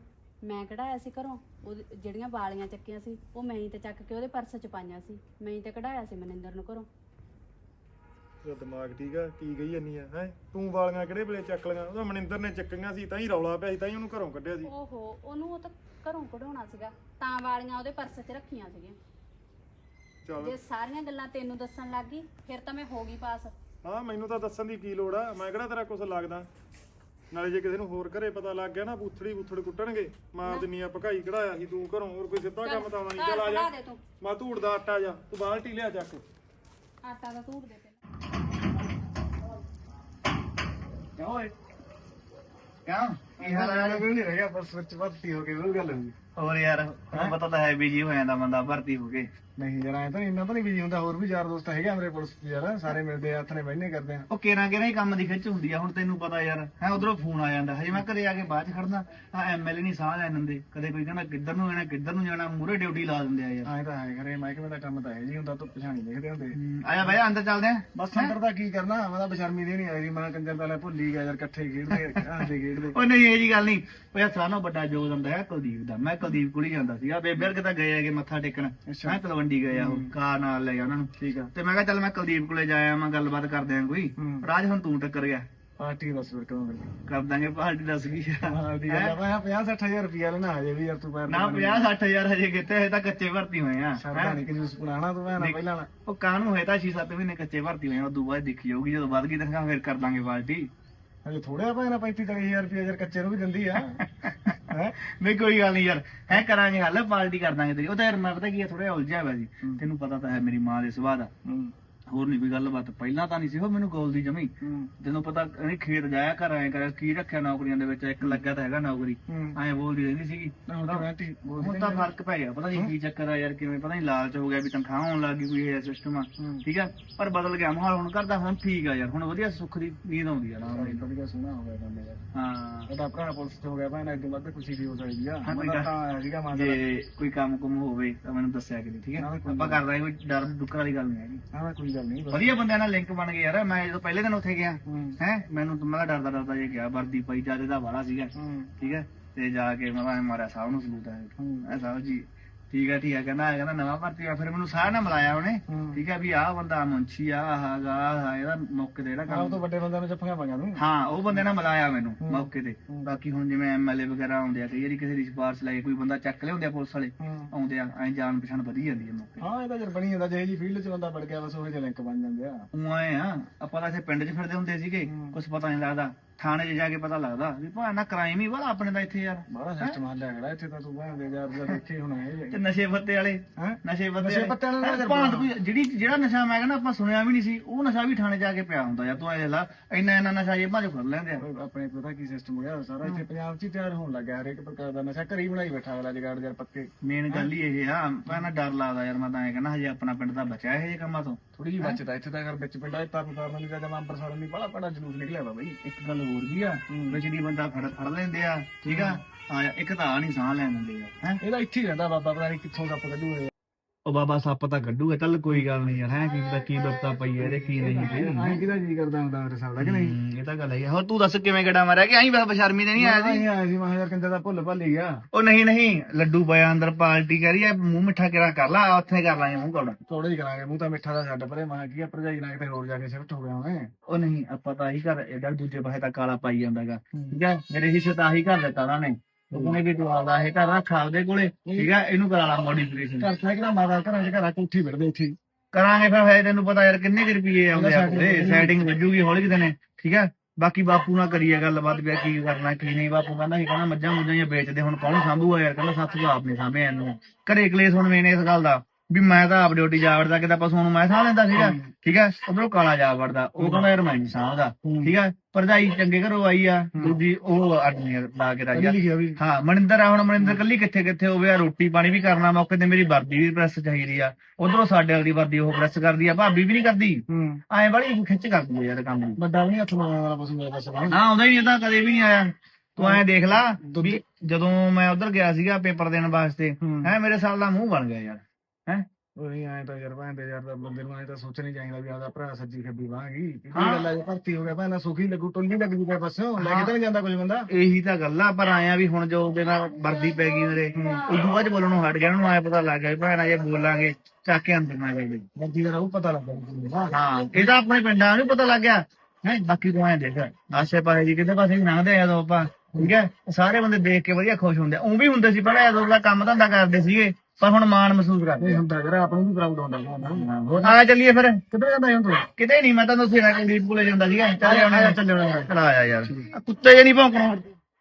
Speaker 4: ਮੈਂ ਕਢਾਇਆ ਸੀ ਘਰੋਂ, ਉਹ ਜਿਹੜੀਆਂ ਵਾਲੀਆਂ ਚੱਕੀਆਂ ਸੀ ਉਹ ਮੈਂ ਹੀ ਤੇ ਚੱਕ ਕੇ ਉਹਦੇ ਪਰਸ 'ਚ ਪਾਈਆਂ ਸੀ, ਮੈਂ ਹੀ ਤੇ ਕਢਾਇਆ ਸੀ ਮਨਿੰਦਰ ਨੂੰ ਘਰੋਂ।
Speaker 6: ਤੇਰਾ ਦਿਮਾਗ ਠੀਕ ਆ, ਕੀ ਗਈ ਜਾਨੀ ਆ ਹੈ? ਤੂੰ ਵਾਲੀਆਂ ਕਿਹੜੇ ਵੇਲੇ ਚੱਕ ਲਈਆਂ? ਉਹਦਾ ਮਨਿੰਦਰ ਨੇ ਚੱਕੀਆਂ ਸੀ ਤਾਂ ਹੀ ਰੌਲਾ ਪਿਆ ਸੀ, ਤਾਂ ਹੀ ਉਹਨੂੰ ਘਰੋਂ ਕੱਢਿਆ ਸੀ।
Speaker 4: ਓਹੋ, ਉਹਨੂੰ ਉਹ ਤਾਂ ਘਰੋਂ ਕਢਾਉਣਾ ਸੀਗਾ ਤਾਂ ਵਾਲੀਆਂ ਉਹਦੇ ਪਰਸ 'ਚ ਰੱਖੀਆਂ ਸੀਗੀਆਂ।
Speaker 6: ਚੱਲ
Speaker 4: ਜੇ ਸਾਰੀਆਂ ਗੱਲਾਂ ਤੈਨੂੰ ਦੱਸਣ ਲੱਗ ਗਈ ਫਿਰ ਤਾਂ ਮੈਂ ਹੋ ਗਈ ਪਾਸ।
Speaker 6: ਹਾਂ, ਮੈਨੂੰ ਤਾਂ ਦੱਸਣ ਦੀ ਕੀ ਲੋੜ ਆ, ਮੈਂ ਕਿਹੜਾ ਤੇਰਾ ਕੁਛ ਲੱਗਦਾ। ਨਾਲੇ ਜੇ ਕਿਸੇ ਨੂੰ ਹੋਰ ਘਰੇ ਪਤਾ ਲੱਗ ਗਿਆ ਨਾ, ਬੂਥੜ ਕੁੱਟਣਗੇ। ਮਾਂ ਜਿੰਨੀ ਆ ਭਕਾਈ ਕਢਾਇਆ ਸੀ ਤੂੰ ਘਰੋਂ, ਹੋਰ ਕੋਈ ਸਿੱਧਾ ਕੰਮ ਤਾਂ ਆਉਣਾ ਨਹੀਂ। ਚੱਲ ਆ ਜਾ,
Speaker 4: ਦੇ ਤੂੰ
Speaker 6: ਮੈਂ ਧੂੜ ਦਾ ਆਟਾ ਜਾ, ਤੂੰ ਬਾਲਟੀ ਲਿਆ ਚੱਕ।
Speaker 4: ਆਟਾ ਦਾ ਧੂੜ ਦੇ ਪਹਿਲਾਂ।
Speaker 7: ਕਿਉਂ ਓਏ ਕਿਉਂ ਕੀ ਹਾਲ ਹੈ?
Speaker 6: ਨਹੀਂ ਰਹਿ ਗਿਆ, ਬਸ ਵਿੱਚ ਭਰਤੀ ਹੋ ਕੇ ਉਹ ਗੱਲ ਹੋਈ।
Speaker 7: ਹੋਰ ਯਾਰ ਤੁਹਾਨੂੰ ਪਤਾ ਤਾਂ ਹੈ ਬਿਜੀ ਹੋ ਜਾਂਦਾ ਬੰਦਾ ਭਰਤੀ ਹੋ ਕੇ।
Speaker 6: ਨਹੀਂ ਯਾਰ, ਐ ਤਾਂ ਇੰਨਾ ਤਾਂ ਨਹੀਂ ਬਿਜੀ ਹੁੰਦਾ, ਹੋਰ ਵੀ ਯਾਰ ਦੋਸਤ ਹੈਗੇ ਮੇਰੇ ਪੁਲਿਸ ਯਾਰ, ਸਾਰੇ ਮਿਲਦੇ ਆ, ਹੱਥ ਨੇ ਬਹਿਨੇ ਕਰਦੇ ਆ।
Speaker 7: ਉਹ ਕਿਹੜਾ ਹੀ ਕੰਮ ਦੀ ਖਿੱਚ ਹੁੰਦੀ ਆ, ਹੁਣ ਤੈਨੂੰ ਪਤਾ ਯਾਰ ਹੈ। ਉਧਰੋਂ ਫੋਨ ਆ ਜਾਂਦਾ, ਹਜੇ ਮੈਂ ਘਰੇ ਆ ਕੇ ਬਾਅਦ ਚ ਖੜਦਾ, ਆ ਐਮਐਲਏ ਨਹੀਂ ਸਾਹ ਲੈ ਦਿੰਦੇ, ਕਦੇ ਕੋਈ ਕਹਿੰਦਾ ਕਿੱਧਰ ਨੂੰ ਜਾਣਾ ਕਿੱਧਰ ਨੂੰ ਜਾਣਾ, ਮੂਹਰੇ ਡਿਊਟੀ ਲਾ ਦਿੰਦੇ ਆ ਯਾਰ।
Speaker 6: ਐ ਤਾਂ ਹੈ ਖਰੇ, ਮਹਿਕਮੇ ਦਾ ਕੰਮ ਤਾਂ ਹੈ ਜੀ ਹੁੰਦਾ, ਤੋਂ ਪਛਾਣੀ ਦੇਖਦੇ ਹੁੰਦੇ।
Speaker 7: ਆਇਆ ਬਾਈ ਅੰਦਰ ਚੱਲਦੇ ਆ।
Speaker 6: ਬਸ ਅੰਦਰ ਦਾ ਕੀ ਕਰਨਾ, ਮੈਂ ਤਾਂ ਬਸ਼ਰਮੀ ਦੇ ਨਹੀਂ ਆਈ, ਮੈਂ ਕੰਜਰ ਤਾਂ ਲੈ ਭੁੱਲ ਹੀ ਗਿਆ ਯਾਰ, ਇਕੱਠੇ ਖੇਡਦੇ ਹੱਸਦੇ ਖੇਡਦੇ।
Speaker 7: ਉਹ ਨਹੀਂ ਇਹ ਜੀ ਗੱਲ ਨਹੀਂ, ਉਹ ਯਾਰ ਸਾਰਾ ਵੱਡਾ ਯੋਗ ਹੁੰਦਾ ਹੈ ਕੁਲਦੀਪ ਦਾ। ਮੈਂ ਕੁਲਦੀਪ ਕੋਲ ਹੀ ਜਾਂਦਾ ਸੀਗਾ, ਬੇਬੇ ਵਰਗੇ ਤਾਂ ਗਏ ਹੈਗੇ ਮੱਥਾ ਟੇਕਣ, ਮੈਂ ਤਲਵੰਡੀ ਗਏ ਆ, ਉਹ ਕਾਰ ਨਾਲ ਲੈ ਗਿਆ ਉਹਨਾਂ ਨੂੰ।
Speaker 6: ਠੀਕ ਆ,
Speaker 7: ਤੇ ਮੈਂ ਕਿਹਾ ਚੱਲ ਮੈਂ ਕੁਲਦੀਪ ਕੋਲੇ ਜਾਇਆ, ਮੈਂ ਗੱਲਬਾਤ ਕਰਦੇ ਆ ਕੋਈ। ਰਾਜ ਹੁਣ ਤੂੰ ਟੱਕਰ ਗਿਆ,
Speaker 6: ਪਾਰਟੀ ਬਸ ਫਿਰ ਕਦੋਂ
Speaker 7: ਕਰ ਦਾਂਗੇ ਪਾਰਟੀ, ਦੱਸ ਗਈ
Speaker 6: ਪਾਰਟੀ ਦਾ ਮੈਂ 50-60 ਹਜ਼ਾਰ ਰੁਪਿਆ ਲੈਣਾ ਹਜੇ ਵੀ ਯਾਰ, ਤੂੰ ਪੈਰ
Speaker 7: ਨਾ 50-60 ਹਜ਼ਾਰ ਹਜੇ ਕਿਤੇ, ਹਜੇ ਤਾਂ ਕੱਚੇ ਭਰਤੀ ਹੋਏ ਆ।
Speaker 6: ਸਰਦਾ ਨਹੀਂ ਕਿ ਜੂਸ ਬਣਾਣਾ ਤੂੰ ਮੈਂ ਪਹਿਲਾਂ ਨਾ।
Speaker 7: ਉਹ ਕਾਹਨੂੰ ਹੋਏ ਤਾਂ 6-7 ਮਹੀਨੇ ਕੱਚੇ ਭਰਤੀ ਹੋਏ ਆ, ਉਦੋਂ ਬਾਅਦ ਦੇਖੀ ਜਾਊਗੀ, ਜਦੋਂ ਵੱਧ ਗਈ ਤਨਖਾਹ ਫਿਰ ਕਰ ਦਾਂਗੇ ਪਾਰਟੀ।
Speaker 6: ਹਜੇ ਥੋੜਿਆ ਪੈਣਾ 35-40 ਹਜ਼ਾਰ ਰੁਪਿਆ ਯਾਰ, ਕੱਚੇ ਨੂੰ ਵੀ ਦਿੰਦੀ ਆ। ਹੈ
Speaker 7: ਨਹੀਂ ਕੋਈ ਗੱਲ ਨਹੀਂ ਯਾਰ, ਹੈ ਕਰਾਂਗੇ ਹੱਲ, ਪਾਰਟੀ ਕਰ ਦਾਂਗੇ ਤੇਰੀ। ਉਹ ਤਾਂ ਯਾਰ ਮੈਂ ਪਤਾ ਕੀ ਆ, ਥੋੜਾ ਉਲਝਿਆ ਹੋਇਆ ਸੀ, ਤੈਨੂੰ ਪਤਾ ਤਾਂ ਹੈ ਮੇਰੀ ਮਾਂ ਦੇ ਸੁਭਾਅ ਦਾ। ਹੋਰ ਨਹੀਂ ਕੋਈ ਗੱਲਬਾਤ, ਪਹਿਲਾਂ ਤਾਂ ਨਹੀਂ ਸੀ ਉਹ ਮੈਨੂੰ ਗੋਲ ਦੀ ਜਮੀ। ਤੈਨੂੰ ਪਤਾ ਨਹੀਂ, ਖੇਤ ਜਾਇਆ ਘਰ ਆਏ ਕਰ, ਕੀ ਰੱਖਿਆ ਨੌਕਰੀਆਂ ਦੇ ਵਿੱਚ, ਇੱਕ ਲੱਗਾ ਤਾਂ ਹੈਗਾ ਨੌਕਰੀ, ਐਂ ਬੋਲਦੀ ਰਹਿੰਦੀ ਸੀਗੀ। ਹੁਣ ਤਾਂ ਫਰਕ ਪੈ ਗਿਆ, ਪਤਾ ਨਹੀਂ ਕੀ ਚੱਕਰ ਆ ਯਾਰ, ਕਿਵੇਂ ਪਤਾ ਨਹੀਂ ਲਾਲਚ ਹੋ ਗਿਆ ਵੀ ਤਨਖਾਹ ਆਉਣ ਲੱਗ ਗਈ, ਕੋਈ ਇਹ ਸਿਸਟਮ ਆ। ਠੀਕ ਆ, ਪਰ ਬਦਲ ਗਿਆ ਮਾਹੌਲ ਹੁਣ ਕਰਦਾ, ਹੁਣ ਠੀਕ ਆ ਯਾਰ, ਹੁਣ ਵਧੀਆ ਸੁੱਖ ਦੀ ਨੀਂਦ ਆਉਂਦੀ ਆ ਨਾ।
Speaker 6: ਵਧੀਆ ਸੋਹਣਾ ਹੋ ਗਿਆ ਕੰਮ ਯਾਰ।
Speaker 7: ਹਾਂ,
Speaker 6: ਉਹਦਾ ਭਰਾ ਪੁਲਿਸ ਚ ਹੋ ਗਿਆ ਭਾਵੇਂ, ਇਦੋਂ ਵੱਧ ਖੁਸ਼ੀ ਦੀ ਹੋ ਸਕਦੀ ਆ।
Speaker 7: ਹਾਂ, ਕੋਈ
Speaker 6: ਮੈਂ ਤਾਂ ਆਇਆ ਸੀਗਾ ਮਾਂ ਦਾ।
Speaker 7: ਜੇ ਕੋਈ ਕੰਮ ਕੁਮ ਹੋਵੇ ਤਾਂ ਮੈਨੂੰ ਦੱਸਿਆ ਕਰੀ, ਠੀਕ ਹੈ? ਆਪਾਂ ਕਰ ਦਾਂਗੇ, ਕੋਈ ਡਰ ਡੁੱਕਰ ਵਾਲੀ ਗੱਲ ਨਹੀਂ ਹੈਗੀ।
Speaker 6: ਹਾਂ, ਕੋਈ ਗੱਲ ਨਹੀਂ।
Speaker 7: ਵਧੀਆ ਬੰਦਿਆਂ ਨਾਲ ਲਿੰਕ ਬਣ ਗਏ ਯਾਰ। ਮੈਂ ਜਦੋਂ ਪਹਿਲੇ ਦਿਨ ਉੱਥੇ ਗਿਆ ਹੈ, ਮੈਨੂੰ ਤਾਂ ਮੈਂ ਡਰਦਾ ਜੇ ਗਿਆ, ਵਰਦੀ ਪਾਈ ਜਿਆਦਾ ਦਾ ਵਾਲਾ ਸੀਗਾ, ਠੀਕ ਹੈ? ਤੇ ਜਾ ਕੇ ਮੈਂ ਮਾਰਿਆ ਸਾਹਿਬ ਨੂੰ ਸਲੂਟ ਆਇਆ, ਸਾਹਿਬ ਜੀ ਠੀਕ ਹੈ ਕਹਿੰਦਾ ਨਵਾਂ ਭਰਤੀ ਆ। ਫਿਰ ਮੈਨੂੰ ਸਾਰਿਆਂ ਨਾਲ ਮਿਲਾਇਆ ਉਹਨੇ, ਠੀਕ ਹੈ, ਵੀ ਆਹ ਬੰਦਾ ਮੁੰਸ਼ੀ ਆ, ਆਹ ਇਹਦਾ ਮੌਕੇ ਤੇ ਜਿਹੜਾ ਕੰਮ,
Speaker 6: ਤੋਂ ਵੱਡੇ ਬੰਦਿਆਂ ਨੂੰ ਜੱਫੀਆਂ ਪਾਈਆਂ ਤੂੰ।
Speaker 7: ਹਾਂ ਉਹ ਬੰਦੇ ਨਾਲ ਮਿਲਾਇਆ ਮੈਨੂੰ ਮੌਕੇ ਤੇ। ਬਾਕੀ ਹੁਣ ਜਿਵੇਂ ਐਮਐਲਏ ਵਗੈਰਾ ਆਉਂਦੇ ਆ, ਕਈ ਵਾਰੀ ਕਿਸੇ ਦੀ ਸਿਫਾਰਿਸ਼ ਲੈ ਕੇ ਕੋਈ ਬੰਦਾ ਚੱਕ ਲਿਆਉਂਦੇ ਆ, ਪੁਲਿਸ ਵਾਲੇ ਆਉਂਦੇ ਆ, ਐਂ ਜਾਣ ਪਛਾਣ ਵਧੀ ਜਾਂਦੀ ਹੈ ਮੌਕੇ।
Speaker 6: ਹਾਂ, ਇਹ ਤਾਂ ਜਰ ਬਣੀ ਜਾਂਦਾ, ਜਿਹੇ ਜੀ ਫੀਲਡ ਚ ਬੰਦਾ ਵੜ ਗਿਆ ਬਸ ਉਹੇ ਜਿਹੇ ਲਿੰਕ ਬਣ ਜਾਂਦੇ ਆ।
Speaker 7: ਉਹ ਆਏ ਆ, ਆਪਾਂ ਤਾਂ ਇੱਥੇ ਪਿੰਡ 'ਚ ਫਿਰਦੇ ਹੁੰਦੇ ਸੀਗੇ, ਕੁਛ ਪਤਾ ਨਹੀਂ ਲੱਗਦਾ, ਥਾਣੇ 'ਚ ਜਾ ਕੇ ਪਤਾ ਲੱਗਦਾ ਵੀ ਭਾਣਾ ਕ੍ਰਾਈਮ ਹੀ ਵਾਲਾ ਆਪਣੇ ਦਾ ਇੱਥੇ ਯਾਰ।
Speaker 6: ਬੜਾ ਸਿਸਟਮ ਹੱਲਿਆ ਖੜਾ ਇੱਥੇ ਤਾਂ, ਤੂੰ ਭਾਵੇਂ ਯਾਰ ਦੇਖੇ ਹੁਣ ਇਹ
Speaker 7: ਤੇ ਨਸ਼ੇ ਪੱਤੇ ਵਾਲੇ, ਨਸ਼ੇ
Speaker 6: ਪੱਤਿਆਂ ਨਾਲ
Speaker 7: ਵਾਲੇ ਭਾਂਤ ਕੋਈ ਜਿਹੜਾ ਨਸ਼ਾ ਮੈਂ ਕਹਿੰਦਾ ਆਪਾਂ ਸੁਣਿਆ ਵੀ ਨਹੀਂ ਸੀ, ਉਹ ਨਸ਼ਾ ਵੀ ਥਾਣੇ ਜਾ ਕੇ ਪਿਆ ਹੁੰਦਾ ਯਾਰ। ਤੂੰ ਐ ਲਾ, ਇੰਨਾ ਨਸ਼ਾ ਜੇਬਾਂ 'ਚ ਫੜ ਲੈਂਦੇ ਆ।
Speaker 6: ਆਪਣੇ ਪਤਾ ਕੀ ਸਿਸਟਮ ਹੋ ਗਿਆ ਸਾਰਾ ਇੱਥੇ ਪੰਜਾਬ 'ਚ ਹੀ ਤਿਆਰ ਹੋਣ ਲੱਗਾ, ਹਰੇਕ ਪ੍ਰਕਾਰ ਦਾ ਨਸ਼ਾ ਘਰੀ ਬਣਾਈ ਬੈਠਾ ਅਗਲਾ, ਜਗਾੜ ਯਾਰ ਪੱਕੇ।
Speaker 7: ਮੇਨ ਗੱਲ ਹੀ ਇਹ ਆ, ਪਹਿਲਾਂ ਡਰ ਲੱਗਦਾ ਯਾਰ। ਮੈਂ ਤਾਂ ਐ ਕਹਿੰਦਾ ਹਜੇ ਆਪਣਾ ਪਿੰਡ ਤਾਂ ਬਚਿਆ ਇਹ ਜਿਹੇ ਕੰਮਾਂ ਤੋਂ,
Speaker 6: ਥੋੜੀ ਜਿਹੀ ਬਚਦਾ ਇੱਥੇ ਤਾਂ ਅਗਰ ਵਿੱਚ ਪਿੰਡਾਂ 'ਚ ਤਰਨ ਦੀ ਜਗ੍ਹਾ ਅੰਬਰਸਰ ਨਹੀਂ ਬੜਾ ਬੜਾ ਜਲੂਸ ਨਿਕਲਿਆ ਵਾ ਬਈ।
Speaker 7: ਇੱਕ ਗੱਲ ਹੋਰ ਵੀ ਆ, ਵਿਚੜੀ ਬੰਦਾ ਫੜ ਲੈਂਦੇ ਆ, ਠੀਕ ਆ। ਇੱਕ ਤਾਂ ਆ ਨਹੀਂ ਸਾਹ ਲੈਣ ਦਿੰਦੇ ਆ, ਹੈ
Speaker 6: ਇਹਦਾ ਇੱਥੇ ਹੀ ਰਹਿੰਦਾ ਬਾਬਾ, ਪਤਾ ਨਹੀਂ ਕਿੱਥੋਂ ਸੱਪ ਕੱਢੂ ਇਹ।
Speaker 7: ਉਹ ਬਾਬਾ ਸੱਪ ਤਾਂ ਕੱਢੂਗਾ, ਚੱਲ ਕੋਈ ਗੱਲ ਨਹੀਂ ਯਾਰ, ਹੈ ਕੀ ਪਤਾ ਕੀ ਵਰਤਾ ਪਈ ਇਹਦੇ ਕੀ ਨਹੀਂ ਪਈ।
Speaker 6: ਐਂ ਕਿਹਦਾ ਜੀ ਕਰਦਾ ਹੁੰਦਾ ਮੇਰੇ ਸਾਲ ਦਾ ਕਿ ਨਹੀਂ?
Speaker 7: ਇਹ ਤਾਂ ਗੱਲ ਹੈ। ਹੋਰ ਤੂੰ ਦੱਸ ਕਿਵੇਂ ਗੜਾ ਮਾਰਿਆ, ਕਿ ਆਈ ਬਸ ਬਸ਼ਰਮੀ ਤੇ ਨਹੀਂ ਆਇਆ ਸੀ?
Speaker 6: ਨਹੀਂ ਆਇਆ ਸੀ, ਮੈਂ ਯਾਰ ਕੰਜਰ ਦਾ ਭੁੱਲ ਭੱਲ ਹੀ ਗਿਆ।
Speaker 7: ਉਹ ਨਹੀਂ ਲੱਡੂ ਪਿਆ ਅੰਦਰ, ਪਾਰਟੀ ਕਰੀ ਆ, ਮੂੰਹ ਮਿੱਠਾ ਕਿਹੜਾ ਕਰ ਲਾ, ਉੱਥੇ ਕਰ ਲਾਂਗੇ ਮੂੰਹ ਕੌੜਾ।
Speaker 6: ਥੋੜਾ ਹੀ ਕਰਾਂਗੇ, ਮੂੰਹ ਤਾਂ ਮਿੱਠਾ ਦਾ ਛੱਡ ਪਰੇ, ਮੈਂ ਕੀ ਆ ਭਰਜਾਈ ਨਾਲ ਕਿਤੇ ਹੋਰ ਜਾ ਕੇ ਸ਼ਿਫਟ ਹੋ ਗਿਆ ਉਹਨੇ।
Speaker 7: ਉਹ ਨਹੀਂ, ਆਪਾਂ ਤਾਂ ਆਹੀ ਘਰ, ਇਹਦਾ ਦੂਜੇ ਪਾਸੇ ਤਾਂ ਕਾਲਾ ਪਾਈ ਜਾਂਦਾਗਾ, ਠੀਕ ਹੈ? ਮੇਰੇ ਹਿੱਸੇ ਤਾਂ ਆਹੀ ਘਰ ਦਿੱਤਾ ਉਹਨਾਂ ਨੇ, ਉਹ ਕਹਿੰਦੇ ਵੀ ਤੂੰ ਆਪਦਾ ਇਹ ਘਰ ਰੱਖ ਆਪਦੇ ਕੋਲੇ, ਠੀਕ ਹੈ? ਇਹਨੂੰ ਕਰਾ ਲਾ ਮੋਡੀਫਿਕੇਸ਼ਨ।
Speaker 6: ਘਰ ਤਾਂ ਕਿਹੜਾ ਮਾਦਾ ਘਰਾਂ 'ਚ ਘਰਾਂ ਕੋਠੀ ਫਿਰਦੇ ਇੱਥੇ
Speaker 7: ਕਰਾਂਗੇ ਫਿਰ। ਹੈ ਤੈਨੂੰ ਪਤਾ ਯਾਰ ਕਿੰਨੇ ਕੁ ਰੁਪਏ ਆਉਂਦੇ ਆ, ਸੈਟਿੰਗ ਵੱਜੂਗੀ ਹੌਲੀ ਕਿਤੇ ਨੇ, ਠੀਕ ਹੈ? ਬਾਕੀ ਬਾਪੂ ਨਾਲ ਕਰੀਏ ਗੱਲਬਾਤ ਵੀ ਕੀ ਕਰਨਾ ਕੀ ਨਹੀਂ। ਬਾਪੂ ਕਹਿੰਦਾ ਸੀ, ਕਹਿੰਦਾ ਮੱਝਾਂ ਮੁੱਝਾਂ ਜਾਂ ਵੇਚਦੇ, ਹੁਣ ਕੌਣ ਸਾਂਭੂਗਾ ਯਾਰ? ਕਹਿੰਦਾ ਸੱਤ ਤੋਂ ਆਪ ਨਹੀਂ ਸਾਂਭੇ ਇਹਨੂੰ, ਘਰੇ ਕਲੇਸ਼ ਹੁਣ ਮੇਨ ਇਸ ਗੱਲ ਦਾ ਵੀ ਮੈਂ ਤਾਂ ਆਪ ਡਿਊਟੀ ਜਾ ਵੜਦਾ, ਕਿਤੇ ਪਸ਼ੂਆਂ ਨੂੰ ਮੈਂ ਸਾਂਭ ਲੈਂਦਾ ਸੀਗਾ, ਠੀਕ ਹੈ? ਉਧਰੋਂ ਕਾਲਾ ਜਾ ਵੜਦਾ, ਉਹ ਕਹਿੰਦਾ ਯਾਰ ਮੈਂ ਨਹੀਂ ਸਾਂਭਦਾ, ਠੀਕ ਹੈ? ਭਰਜਾਈ ਚੰਗੇ ਘਰੋਂ ਆਈ ਆ, ਦੂਜੀ ਉਹ ਅੱਡਨੀ ਲਾ ਕੇ ਰਾਜਾ। ਹਾਂ, ਮਨਿੰਦਰ ਆ, ਹੁਣ ਮਨਿੰਦਰ ਕੱਲੀ ਕਿੱਥੇ ਹੋਵੇ ਆ, ਰੋਟੀ ਪਾਣੀ ਵੀ ਕਰਨਾ ਮੌਕੇ ਤੇ, ਮੇਰੀ ਵਰਦੀ ਵੀ ਪ੍ਰੈਸ ਚਾਹੀਦੀ ਆ, ਉਧਰੋਂ ਸਾਡੇ ਵਾਲੀ ਵਰਦੀ ਉਹ ਪ੍ਰੈਸ ਕਰਦੀ ਆ, ਭਾਬੀ ਵੀ ਨਹੀਂ ਕਰਦੀ, ਐਂ ਬੜੀ ਖਿੱਚ ਕਰਦੀ ਆ ਯਾਰ ਕੰਮ ਦੀ।
Speaker 6: ਵੱਡਾ ਵੀ ਨਹੀਂ ਹੱਥ ਮਾਰਨ ਵਾਲਾ ਪਸ਼ੂ ਮੇਰਾ ਪਾਸ।
Speaker 7: ਹਾਂ, ਆਉਂਦਾ ਹੀ ਨਹੀਂ, ਤਾਂ ਕਦੇ ਵੀ ਨਹੀਂ ਆਇਆ। ਤੂੰ ਐਂ ਦੇਖ ਲਾ ਵੀ ਜਦੋਂ ਮੈਂ ਉਧਰ ਗਿਆ ਸੀਗਾ ਪੇਪਰ ਦੇਣ ਵਾਸਤੇ, ਹੈ ਮੇਰੇ ਸਾਲ ਦਾ ਮੂੰਹ ਬਣ ਗਿਆ ਯਾਰ, ਹੈ ਉਹ ਨਹੀਂ ਆਏ ਤਾਂ ਯਾਰ ਭੈਣ ਦੇ ਯਾਰ ਦਾ ਬੰਦੇ ਨੂੰ ਐ ਤਾਂ ਸੋਚਣਾ ਹੀ ਚਾਹੀਦਾ ਵੀ ਆਦਾ ਭਰਾ ਸੱਜੀ ਖੱਬੀ ਬਾਂਗੀ ਕੀ ਗੱਲ ਆ ਜੇ ਭਰਤੀ ਹੋ ਗਿਆ ਪਹਿਲਾਂ ਸੁਖੀ ਲੱਗੂ ਟੁੱਲੀ ਲੱਗ ਜੂਗਾ ਪਾਸੋਂ ਲੈ ਕੇ ਤਾਂ ਨਹੀਂ ਜਾਂਦਾ ਕੁਝ ਬੰਦਾ ਇਹੀ ਤਾਂ ਗੱਲ ਆ ਪਰ ਆਇਆ ਵੀ ਹੁਣ ਜੋ ਉਹਦੇ ਨਾਲ ਵਰਦੀ ਪੈ ਗਈ ਮੇਰੇ ਉਦੋਂ ਬਾਅਦ ਬੋਲਣੋਂ ਹਟ ਗਿਆ ਉਹਨੂੰ ਆਇਆ ਪਤਾ ਲੱਗ ਗਿਆ ਵੀ ਭੈਣਾ ਜੇ ਬੋਲਾਂਗੇ ਚੱਕ ਕੇ ਅੰਦਰ ਨਾ ਜਾਈਏ ਵਰਦੀ ਦਾ ਉਹ ਪਤਾ ਲੱਗ ਗਿਆ ਹਾਂ ਇਹ ਤਾਂ ਆਪਣੇ ਪਿੰਡਾਂ ਨੂੰ ਪਤਾ ਲੱਗ ਗਿਆ ਹੈ ਬਾਕੀ ਤੂੰ ਐਂ ਦੇਖ ਆਸੇ ਪਾਸੇ ਜੀ ਕਿਤੇ ਪਾਸੇ ਵੀ ਲੰਘਦੇ ਆ ਜਦੋਂ ਆਪਾਂ ਠੀਕ ਹੈ ਸਾਰੇ ਬੰਦੇ ਦੇਖ ਕੇ ਵਧੀਆ ਖੁਸ਼ ਹੁੰਦੇ ਉਹ ਵੀ ਹੁੰਦੇ ਸੀ ਪਹਿਲਾਂ ਜਦੋਂ ਦਾ ਕੰਮ ਧੰਦਾ ਕਰਦੇ ਸੀਗੇ ਪਰ ਹੁਣ ਮਾਣ ਮਹਿਸੂਸ ਕਰਦੇ ਹੁੰਦਾ ਜਰਾ ਆਪ ਨੂੰ ਵੀ ਪ੍ਰਾਊਡ ਹੁੰਦਾ ਆ ਚੱਲੀਏ ਫਿਰ ਕਿੱਧਰ ਜਾਂਦਾ ਹੁਣ ਤੂੰ ਕਿਤੇ ਨਹੀਂ ਮੈਂ ਤਾਂ ਦੱਸਿਆ ਨਾ ਕਿ ਦੀਪ ਕੋਲੇ ਜਾਂਦਾ ਸੀਗਾ ਚੱਲ ਆਉਣਾ ਚੱਲਣਾ ਚਲ ਆਇਆ ਯਾਰ ਕੁੱਤੇ ਜੇ ਨਹੀਂ ਭੌਂਕਣਾ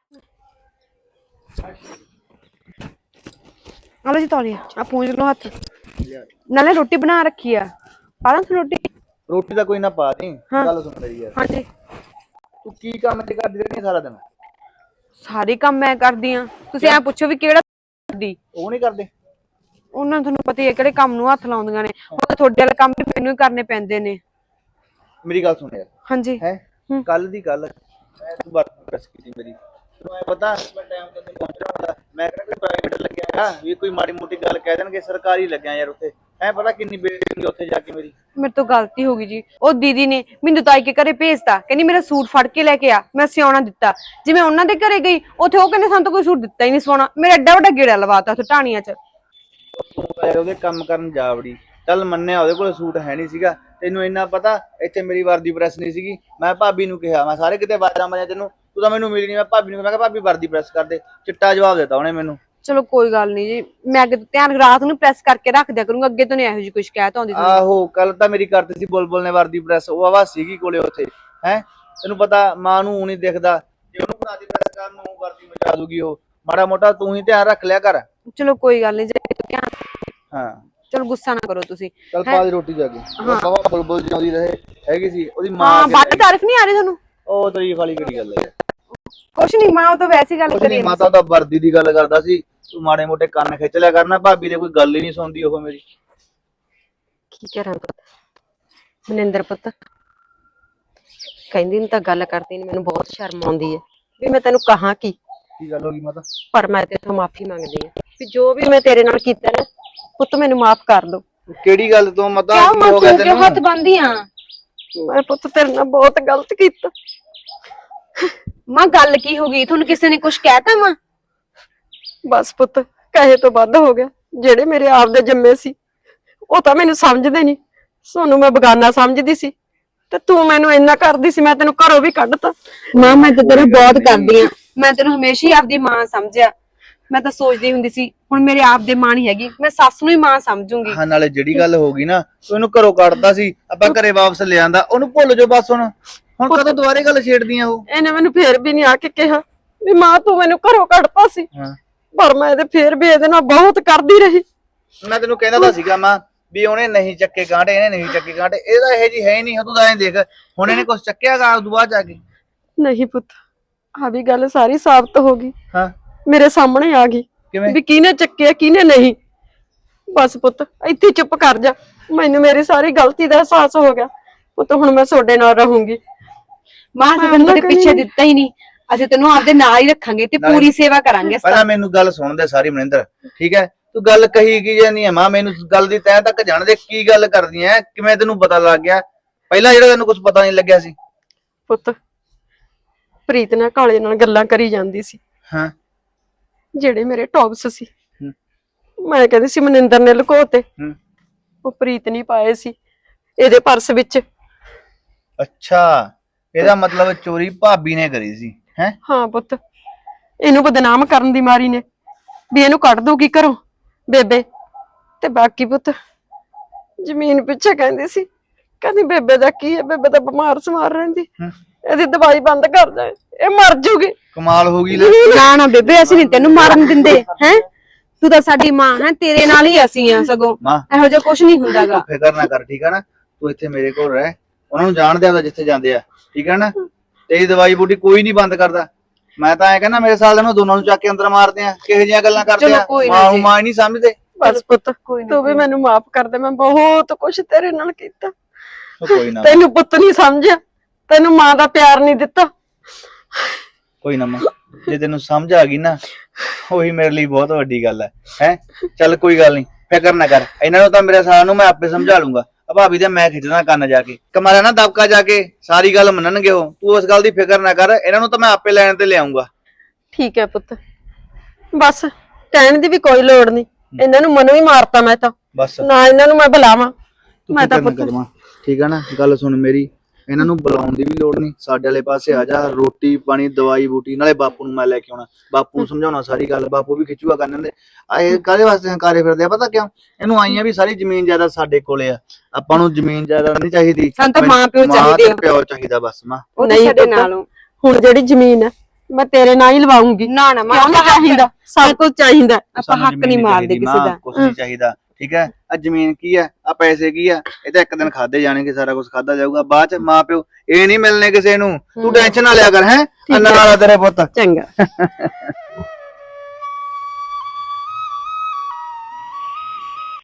Speaker 2: ਆਲੋ ਜੀ ਤੌਲੀਆ ਆ ਪੂੰਝ ਲਓ ਹੱਥ ਨਾਲੇ ਰੋਟੀ ਬਣਾ ਰੱਖੀ ਆ ਪਾਲਾਂ ਤੂੰ
Speaker 8: ਰੋਟੀ ਦਾ ਕੋਈ ਨਾ ਪਾ ਦੇ
Speaker 2: ਹਾਂ।
Speaker 8: ਗੱਲ ਸੁਣ ਮੇਰੀ ਯਾਰ
Speaker 2: ਹਾਂਜੀ
Speaker 8: ਤੂੰ ਕੀ ਕੰਮ ਤੇ ਕਰਦੀ ਰਹਿੰਦੀ ਸਾਰਾ ਦਿਨ
Speaker 2: ਸਾਰੇ ਕੰਮ ਮੈਂ ਕਰਦੀ ਆ ਤੁਸੀਂ ਐ ਪੁੱਛੋ ਵੀ ਕਿਹੜਾ ਕਰਦੀ
Speaker 8: ਉਹ ਨਹੀਂ ਕਰਦੇ
Speaker 2: ਉਹਨਾਂ ਨੂੰ ਤੁਹਾਨੂੰ ਪਤਾ ਹੀ ਹੈ ਕਿਹੜੇ ਕੰਮ ਨੂੰ ਹੱਥ ਲਾਉਂਦੀਆਂ ਨੇ ਉਹ ਤਾਂ ਤੁਹਾਡੇ ਵਾਲੇ ਕੰਮ ਵੀ ਮੈਨੂੰ ਹੀ ਕਰਨੇ ਪੈਂਦੇ ਨੇ
Speaker 8: ਮੇਰੀ ਗੱਲ ਸੁਣ ਯਾਰ
Speaker 2: ਹਾਂਜੀ
Speaker 8: ਹੈ ਕੱਲ ਦੀ ਗੱਲ ਮੈਂ ਤੂੰ ਬਾਤ ਪ੍ਰੈਸ ਕੀਤੀ ਮੇਰੀ ਤੈਨੂੰ ਐ ਪਤਾ ਮੈਂ ਟਾਈਮ ਤੇ ਪਹੁੰਚਣਾ ਹੁੰਦਾ ਮੈਂ ਕਿਹੜਾ ਕੋਈ ਪ੍ਰਾਈਵੇਟ ਲੱਗਿਆ ਹੈਗਾ ਵੀ ਕੋਈ ਮਾੜੀ ਮੋਟੀ ਗੱਲ ਕਹਿ ਦੇਣਗੇ ਸਰਕਾਰੀ ਲੱਗਿਆ ਯਾਰ ਉੱਥੇ ਐ ਪਤਾ ਕਿੰਨੀ ਬੇਇੱਜ਼ਤੀ ਉੱਥੇ ਜਾ ਕੇ ਮੇਰੀ
Speaker 2: ਮੇਰੇ ਤੋਂ ਗਲਤੀ ਹੋ ਗਈ ਜੀ ਉਹ ਦੀਦੀ ਨੇ ਮੈਨੂੰ ਤਾਈ ਕੇ ਘਰੇ ਭੇਜਤਾ ਕਹਿੰਦੀ ਮੇਰਾ ਸੂਟ ਫੜ ਕੇ ਲੈ ਕੇ ਆ ਮੈਂ ਸਿਉਣਾ ਦਿੱਤਾ ਜਿਵੇਂ ਉਹਨਾਂ ਦੇ ਘਰੇ ਗਈ ਉੱਥੇ ਉਹ ਕਹਿੰਦੇ ਸਾਨੂੰ ਤਾਂ ਕੋਈ ਸੂਟ ਦਿੱਤਾ ਹੀ ਨਹੀਂ ਸਵਾਉਣਾ ਮੇਰਾ ਐਡਾ ਵੱਡਾ ਗੇੜਾ ਲਵਾਤਾ ਉੱਥੇ ਢਾਣੀਆਂ 'ਚ
Speaker 8: ਤੂੰ ਯਾਰ ਉਹਦੇ ਕੰਮ ਕਰਨ ਜਾ ਵੜੀ ਚੱਲ ਮੰਨਿਆ ਉਹਦੇ ਕੋਲ ਸੂਟ ਹੈ ਨਹੀਂ ਸੀਗਾ ਤੈਨੂੰ ਇੰਨਾ ਪਤਾ ਇੱਥੇ ਮੇਰੀ ਵਰਦੀ ਪ੍ਰੈਸ ਨਹੀਂ ਸੀਗੀ ਮੈਂ ਭਾਬੀ ਨੂੰ ਕਿਹਾ ਮੈਂ ਸਾਰੇ ਕਿਤੇ ਬਾਜ਼ਾਰਾਂ ਮਾਰਿਆ ਤੈਨੂੰ ਤੂੰ ਤਾਂ ਮੈਨੂੰ ਮਿਲੀ ਨਹੀਂ ਮੈਂ ਭਾਬੀ ਨੂੰ ਮੈਂ ਕਿਹਾ ਭਾਬੀ ਵਰਦੀ ਪ੍ਰੈਸ ਕਰ ਦੇ ਚਿੱਟਾ ਜਵਾਬ ਦਿੱਤਾ ਉਹਨੇ ਮੈਨੂੰ
Speaker 2: ਚਲੋ ਕੋਈ ਗੱਲ ਨਹੀਂ ਜੀ ਮੈਂ ਅੱਗੇ ਤੋਂ ਧਿਆਨ ਰਾਤ ਨੂੰ ਪ੍ਰੈਸ ਕਰਕੇ ਰੱਖ ਦਿਆ ਕਰੂੰਗਾ ਅੱਗੇ ਤੋਂ ਨਹੀਂ ਇਹੋ ਜਿਹੀ ਕੋਈ ਸ਼ਿਕਾਇਤ ਆਉਂਦੀ ਤੁਹਾਨੂੰ
Speaker 8: ਆਹੋ ਕੱਲ ਤਾਂ ਮੇਰੀ ਕਰਤੀ ਸੀ ਬੁਲਬੁਲ ਨੇ ਵਰਦੀ ਪ੍ਰੈਸ ਉਹ ਆਵਾ ਸੀਗੀ ਕੋਲੇ ਉੱਥੇ ਹੈ ਤੈਨੂੰ ਪਤਾ ਮਾਂ ਨੂੰ ਨਹੀਂ ਦਿਖਦਾ ਜੇ ਉਹਨੂੰ ਵਰਦੀ ਪ੍ਰੈਸ ਕਰਨ ਨੂੰ ਵਰਦੀ ਮਚਾ ਦੂਗੀ ਉਹ ਮਾੜਾ ਮੋਟਾ ਤੂੰ ਹੀ ਧਿਆਨ ਰੱਖ ਲਿਆ ਕਰ
Speaker 2: ਚਲੋ ਕੋਈ ਗੱਲ ਨਹੀਂ ਜੀ ਅੱਗੇ ਤੋਂ ਧਿਆਨ
Speaker 8: ਹਾਂ
Speaker 2: ਚਲੋ ਗੁੱਸਾ ਨਾ ਕਰੋ ਤੁਸੀਂ
Speaker 8: ਚੱਲ ਪਾ ਦੇ ਰੋਟੀ ਜਾ ਕੇ ਬਾਬਾ ਬੁਲਬੁਲ ਜਿਉਂਦੀ ਰਹੇ ਹੈਗੀ ਸੀ ਉਹਦੀ ਮਾਂ
Speaker 2: ਹਾਂ ਬਾਤ ਤਾਰੀਫ ਨਹੀਂ ਆ ਰਹੀ ਤੁਹਾਨੂੰ
Speaker 8: ਉਹ ਤਾਰੀਫ ਵਾਲੀ ਕਿਹੜੀ ਗੱਲ ਹੈ
Speaker 2: ਕੁਛ ਨਹੀਂ ਮਾਂ ਉਹ ਤਾਂ ਵੈਸੇ ਹੀ ਗੱਲ
Speaker 8: ਕੁਛ
Speaker 2: ਕਰੀ
Speaker 8: ਨਹੀਂ ਮਾਤਾ ਤਾਂ ਵਰਦੀ ਦੀ ਗੱਲ ਕਰਦਾ ਸੀ ਤੂੰ ਮਾੜੇ ਮੋਟੇ ਕੰਨ ਖਿੱਚ ਲਿਆ ਕਰਨਾ ਭਾਬੀ ਦੇ ਕੋਈ ਗੱਲ ਹੀ ਨਹੀਂ ਸੁਣਦੀ ਉਹ ਮੇਰੀ
Speaker 2: ਕੀ ਕਰਾਂ ਪੁੱਤ ਮਨਿੰਦਰ ਪੁੱਤ ਕਹਿੰਦੀ ਨੂੰ ਤਾਂ ਗੱਲ ਕਰਦੀ ਨੇ ਮੈਨੂੰ ਬਹੁਤ ਸ਼ਰਮ ਆਉਂਦੀ ਹੈ ਵੀ ਮੈਂ ਤੈਨੂੰ ਕਹਾਂ ਕੀ
Speaker 8: ਗੱਲ ਹੋ ਗਈ ਮਾਤਾ
Speaker 2: ਪਰ ਮੈਂ ਤੇਥੋਂ ਮਾਫੀ ਮੰਗਦੀ ਹਾਂ ਵੀ ਜੋ ਵੀ ਮੈਂ ਤੇਰੇ ਨਾਲ ਕੀਤਾ ਨਾ ਪੁੱਤ ਮੈਨੂੰ ਮਾਫ ਕਰ ਦੋ
Speaker 8: ਕਿਹੜੀ ਗੱਲ ਤੋਂ ਮਾਤਾ
Speaker 2: ਕਿਉਂ
Speaker 8: ਕੀ
Speaker 2: ਮੈਂ
Speaker 8: ਹੋ ਗਿਆ
Speaker 2: ਕਿਉਂ ਹੱਥ ਬੰਨ੍ਹਦੀ ਆ ਮੈਂ ਪੁੱਤ ਤੇਰੇ ਨਾਲ ਬਹੁਤ ਗਲਤ ਕੀਤਾ ਮਾਂ ਗੱਲ ਕੀ ਹੋ ਗਈ ਤੁਹਾਨੂੰ ਕਿਸੇ ਨੇ ਕੁਝ ਕਹਿਤਾ ਮਾਂ ਬਸ ਪੁੱਤ ਕਹੇ ਤੋਂ ਵੱਧ ਹੋ ਗਿਆ ਜਿਹੜੇ ਮੇਰੇ ਆਪ ਦੇ ਜੰਮੇ ਸੀ ਉਹ ਤਾਂ ਮੈਨੂੰ ਸਮਝਦੇ ਨਹੀਂ ਸੋਨੂੰ ਮੈਂ ਬਗਾਨਾ ਸਮਝਦੀ ਸੀ ਤੇ ਤੂੰ ਮੈਨੂੰ ਇੰਨਾ ਕਰਦੀ ਸੀ ਮੈਂ ਤੈਨੂੰ ਘਰੋਂ ਵੀ ਕੱਢਤਾ ਮਾਂ ਮੈਂ ਤਾਂ ਤੇਰਾ ਬਹੁਤ ਕਰਦੀ ਆ ਮੈਂ ਤੈਨੂੰ ਹਮੇਸ਼ਾ ਹੀ ਆਪਦੀ ਮਾਂ ਸਮਝਿਆ ਮੈਂ ਤਾਂ ਸੋਚਦੀ ਹੁੰਦੀ ਸੀ ਹੁਣ ਮੇਰੇ ਆਪ ਦੇ ਮਾਂ ਨਹੀਂ ਹੈਗੀ ਮੈਂ ਸੱਸ ਨੂੰ ਹੀ ਮਾਂ ਸਮਝੂੰਗੀ
Speaker 8: ਹਾਂ ਨਾਲੇ ਜਿਹੜੀ ਗੱਲ ਹੋ ਗਈ ਨਾ ਉਹਨੂੰ ਘਰੋਂ ਕੱਢਦਾ ਸੀ ਆਪਾਂ ਘਰੇ ਵਾਪਸ ਲੈ ਆਂਦਾ ਉਹਨੂੰ ਭੁੱਲ ਜਾਓ ਬਸ ਹੁਣ ਕਦੋਂ ਦੁਬਾਰੇ ਗੱਲ ਛੇੜਦੀਆਂ ਉਹ
Speaker 2: ਇਹਨੇ ਮੈਨੂੰ ਫੇਰ ਵੀ ਨਹੀਂ ਆ ਕੇ ਕਿਹਾ ਵੀ ਮਾਂ ਤੂੰ ਮੈਨੂੰ ਘਰੋਂ ਕੱਢਤਾ ਸੀ
Speaker 8: ਹਾਂ
Speaker 2: ਪਰ ਮੈਂ ਇਹਦੇ ਫੇਰ ਵੀ ਇਹਦੇ ਨਾਲ ਬਹੁਤ ਕਰਦੀ ਰਹੀ
Speaker 8: ਮੈਂ ਤੈਨੂੰ ਕਹਿੰਦਾ ਤਾਂ ਸੀਗਾ ਮਾਂ ਵੀ ਉਹਨੇ ਨਹੀਂ ਚੱਕੇ ਕਾਂਟੇ ਇਹਨੇ ਨਹੀਂ ਚੱਕੇ ਕਾਂਟੇ ਇਹਦਾ ਇਹ ਜੀ ਹੈ ਹੀ ਨਹੀਂ ਤੂੰ ਤਾਂ ਐਂ ਦੇਖ ਹੁਣ ਇਹਨੇ ਕੁਝ ਚੱਕਿਆਗਾ ਉਦੋਂ ਬਾਅਦ ਜਾ ਕੇ
Speaker 2: ਨਹੀਂ ਪੁੱਤ ਆ ਵੀ ਗੱਲ ਸਾਰੀ ਸਾਬਤ ਹੋ ਗਈ
Speaker 8: ਹਾਂ
Speaker 2: ਮੇਰੇ ਸਾਹਮਣੇ ਆ ਗਈ
Speaker 8: ਕਿਵੇਂ
Speaker 2: ਵੀ ਕਿਹਨੇ ਚੱਕਿਆ ਕਿਹਨੇ ਨਹੀਂ ਬਸ ਪੁੱਤ ਇੱਥੇ ਚੁੱਪ ਕਰ ਜਾ ਮੈਨੂੰ ਮੇਰੀ ਸਾਰੀ ਗਲਤੀ ਦਾ ਅਹਿਸਾਸ ਹੋ ਗਿਆ ਪੁੱਤ ਹੁਣ ਮੈਂ ਤੁਹਾਡੇ ਨਾਲ ਰਹੂੰਗੀ ਮਾਂ ਅਸੀਂ ਤੈਨੂੰ ਕਦੇ ਪਿੱਛੇ ਦਿੱਤਾ ਹੀ ਨਹੀਂ ਅਸੀਂ ਤੈਨੂੰ ਆਪਦੇ ਨਾਲ ਹੀ ਰੱਖਾਂਗੇ ਤੇ ਪੂਰੀ ਸੇਵਾ ਕਰਾਂਗੇ
Speaker 8: ਪਹਿਲਾਂ ਮੈਨੂੰ ਗੱਲ ਸੁਣ ਦੇ ਸਾਰੀ ਮਨਿੰਦਰ ਠੀਕ ਹੈ ਤੂੰ ਗੱਲ ਕਹੀ ਕੀ ਜਾਨੀ ਹੈ ਮਾਂ ਮੈਨੂੰ ਗੱਲ ਦੀ ਤੈਅ ਤੱਕ ਜਾਣ ਦੇ ਕੀ ਗੱਲ ਕਰਦੀ ਐ ਕਿਵੇਂ ਤੈਨੂੰ ਪਤਾ ਲੱਗ ਗਿਆ ਪਹਿਲਾਂ ਜਿਹੜਾ ਤੈਨੂੰ ਕੁਝ ਪਤਾ ਨਹੀਂ ਲੱਗਿਆ ਸੀ
Speaker 2: ਪੁੱਤ ਪ੍ਰੀਤ ਨਾਲ ਕਾਲੇ ਨਾਲ ਗੱਲਾਂ ਕਰੀ ਜਾਂਦੀ ਸੀ
Speaker 8: ਹਾਂ
Speaker 2: ਜਿਹੜੇ ਮੇਰੇ ਟੌਪਸ ਸੀ ਮੈਂ ਕਹਿੰਦੀ ਸੀ ਮਨਿੰਦਰ ਨੇ ਲੁਕੋਤੇ ਉਹ ਪ੍ਰੀਤ ਨਹੀਂ ਪਾਏ ਸੀ ਇਹਦੇ ਪਰਸ ਵਿੱਚ
Speaker 8: ਅੱਛਾ ਇਹਦਾ ਮਤਲਬ ਚੋਰੀ ਭਾਬੀ ਨੇ ਕਰੀ ਸੀ ਹੈ
Speaker 2: ਹਾਂ ਪੁੱਤ ਇਹਨੂੰ ਬਦਨਾਮ ਕਰਨ ਦੀ ਮਾਰੀ ਨੇ ਵੀ ਇਹਨੂੰ ਕੱਢ ਦੂਗੀ ਘਰੋਂ ਬੇਬੇ ਤੇ ਬਾਕੀ ਪੁੱਤ ਜ਼ਮੀਨ ਪਿੱਛੇ ਕਹਿੰਦੀ ਸੀ ਕਹਿੰਦੀ ਬੇਬੇ ਦਾ ਕੀ ਹੈ ਬੇਬੇ ਤਾਂ ਬਿਮਾਰ ਸਮਾਰ ਰਹਿੰਦੀ ਇਹਦੀ ਦਵਾਈ ਬੰਦ ਕਰ ਦੇ ਇਹ ਮਰ ਜੂਗੀ
Speaker 8: ਕਮਾਲ ਹੋ ਗਈ
Speaker 2: ਨਾ ਨਾ ਬੇਬੇ ਅਸੀਂ ਨਹੀਂ ਤੈਨੂੰ ਮਾਰਨ ਦਿੰਦੇ ਹੈ ਤੂੰ ਤਾਂ ਸਾਡੀ ਮਾਂ ਹੈ ਤੇਰੇ ਨਾਲ ਹੀ ਅਸੀਂ ਆ ਸਗੋਂ ਇਹੋ ਜਿਹਾ ਕੁਝ ਨਹੀਂ ਹੁੰਦਾਗਾ
Speaker 8: ਫਿਕਰ ਨਾ ਕਰ ਠੀਕ ਹੈ ਨਾ ਤੂੰ ਇੱਥੇ ਮੇਰੇ ਕੋਲ ਰਹਿ ਉਹਨਾਂ ਨੂੰ ਜਾਣਦੇ ਆ ਜਿੱਥੇ ਜਾਂਦੇ ਆ ਠੀਕ ਹੈ ਨਾ ਤੇਰੀ ਦਵਾਈ ਬੂਟੀ ਕੋਈ ਨਹੀਂ ਬੰਦ ਕਰਦਾ ਮੈਂ ਤਾਂ ਐ ਕਹਿੰਦਾ ਮੇਰੇ ਸਾਲ ਦੇ ਨੂੰ ਦੋਨਾਂ ਨੂੰ ਚੱਕ ਕੇ ਅੰਦਰ ਮਾਰਦੇ ਆ ਕਿਹੋ ਜਿਹੀਆਂ ਗੱਲਾਂ ਕਰਦੇ ਆ ਮਾਂ ਨਹੀਂ ਸਮਝਦੇ
Speaker 2: ਬਸ ਪੁੱਤ ਤੂੰ ਵੀ ਮੈਨੂੰ ਮਾਫ ਕਰ ਦੇ ਮੈਂ ਬਹੁਤ ਕੁਝ ਤੇਰੇ ਨਾਲ ਕੀਤਾ
Speaker 8: ਕੋਈ ਨਾ
Speaker 2: ਤੈਨੂੰ ਪੁੱਤ ਨਹੀਂ ਸਮਝਿਆ ਤੈਨੂੰ ਮਾਂ ਦਾ ਪਿਆਰ ਨਹੀਂ ਦਿੱਤਾ
Speaker 8: ਕੋਈ ਨਾ ਮਾਂ ਜੇ ਤੈਨੂੰ ਸਮਝ ਆ ਗਈ ਨਾ ਉਹੀ ਮੇਰੇ ਲਈ ਬਹੁਤ ਵੱਡੀ ਗੱਲ ਹੈ ਚੱਲ ਕੋਈ ਗੱਲ ਨਹੀਂ ਫਿਕਰ ਨਾ ਕਰ, ਇਹਨਾਂ ਨੂੰ ਤਾਂ ਮੇਰੇ ਸਾਰਿਆਂ ਨੂੰ ਮੈਂ ਆਪੇ ਸਮਝਾ ਲੂੰਗਾ। ਆ ਭਾਬੀ ਦੇ ਮੈਂ ਖਿੱਚਣਾ ਕੰਨ ਜਾ ਕੇ, ਕਮਾਰਾ ਨਾ ਦਬਕਾ ਜਾ ਕੇ, ਸਾਰੀ ਗੱਲ ਮੰਨਣਗੇ ਉਹ। ਤੂੰ ਉਸ ਗੱਲ ਦੀ ਫਿਕਰ ਨਾ ਕਰ, ਇਹਨਾਂ ਨੂੰ ਤਾਂ ਮੈਂ ਆਪੇ ਲੈਣ ਤੇ ਲਿਆਉਂਗਾ।
Speaker 2: ਠੀਕ ਹੈ ਪੁੱਤ, ਬਸ ਕਹਿਣ ਦੀ ਵੀ ਕੋਈ ਲੋੜ ਨਹੀਂ, ਇਹਨਾਂ ਨੂੰ ਮਨ ਵੀ ਮਾਰਤਾ ਮੈਂ ਤਾਂ,
Speaker 8: ਬਸ
Speaker 2: ਨਾ ਇਹਨਾਂ ਨੂੰ ਮੈਂ ਬੁਲਾਵਾਂ।
Speaker 8: ਤੂੰ
Speaker 2: ਮੈਂ ਤਾਂ
Speaker 8: ਫਿਕਰ ਨਾ ਕਰ ਮਾਂ, ਠੀਕ ਆ ਨਾ? ਗੱਲ ਸੁਣ ਮੇਰੀ, ਇਹਨਾਂ ਨੂੰ ਬੁਲਾਉਣ ਦੀ ਵੀ ਲੋੜ ਨਹੀਂ, ਸਾਡੇ ਵਾਲੇ ਪਾਸੇ ਆ ਜਾ, ਰੋਟੀ ਪਾਣੀ ਦਵਾਈ ਬੂਟੀ, ਨਾਲੇ ਬਾਪੂ ਨੂੰ ਮੈਂ ਲੈ ਕੇ ਆਉਣਾ, ਬਾਪੂ ਨੂੰ ਸਮਝਾਉਣਾ ਸਾਰੀ ਗੱਲ, ਬਾਪੂ ਵੀ ਖਿੱਚੂਗਾ ਕਰਨ ਦੇ। ਇਹ ਕਾਹਦੇ ਵਾਸਤੇ ਹੰਕਾਰੇ ਫਿਰਦੇ ਆ ਪਤਾ ਕਿਉਂ? ਇਹਨੂੰ ਆਈਆਂ ਵੀ ਸਾਰੀ ਜ਼ਮੀਨ ਜਾਇਦਾਦ ਸਾਡੇ ਕੋਲੇ ਆ, ਆਪਾਂ ਨੂੰ ਜ਼ਮੀਨ ਜਾਇਦਾਦ ਨਹੀਂ ਚਾਹੀਦੀ,
Speaker 2: ਸਾਨੂੰ ਤਾਂ ਮਾਂ ਪਿਓ
Speaker 8: ਮਾਂ
Speaker 2: ਚਾਹੀਦੇ
Speaker 8: ਤੇ
Speaker 2: ਆ।
Speaker 8: ਪਿਓ ਚਾਹੀਦਾ ਬਸ ਮਾਂ।
Speaker 2: ਉਹ ਨਹੀਂ ਸਾਡੇ ਨਾਲੋਂ ਹੁਣ ਜਿਹੜੀ ਜ਼ਮੀਨ ਹੈ ਮੈਂ ਤੇਰੇ ਨਾਲ ਹੀ ਲਵਾਉਂਗੀ।
Speaker 1: ਨਾ ਨਾ
Speaker 2: ਕਿਉਂ ਨਹੀਂ ਚਾਹੀਦਾ? ਸਭ ਕੁਝ ਚਾਹੀਦਾ, ਆਪਾਂ
Speaker 8: ਸਾਨੂੰ
Speaker 2: ਹੱਕ ਨਹੀਂ
Speaker 8: ਜ਼ਮੀਨ
Speaker 2: ਮਾਰਦੇ
Speaker 8: ਚਾਹੀਦੀ
Speaker 2: ਕਿਸੇ
Speaker 8: ਮਾਂ,
Speaker 2: ਦਾ।
Speaker 8: ਕੁਛ ਨਹੀਂ ਚਾਹੀਦਾ, ਠੀਕ ਹੈ? ਆ ਜ਼ਮੀਨ ਕੀ ਆ, ਆ ਪੈਸੇ ਕੀ ਆ, ਇਹ ਤਾਂ ਇੱਕ ਦਿਨ ਖਾਦੇ ਜਾਣਗੇ, ਸਾਰਾ ਕੁਝ ਖਾਦਾ ਜਾਊਗਾ, ਬਾਅਦ ਚ ਮਾਂ ਪਿਓ ਇਹ ਨਹੀਂ ਮਿਲਣੇ ਕਿਸੇ ਨੂੰ। ਤੂੰ ਟੈਨਸ਼ਨ ਨਾ ਲਿਆ ਕਰ, ਹੈ ਨਾਲ ਆ ਤੇਰੇ ਪੁੱਤ।
Speaker 2: ਚੰਗਾ।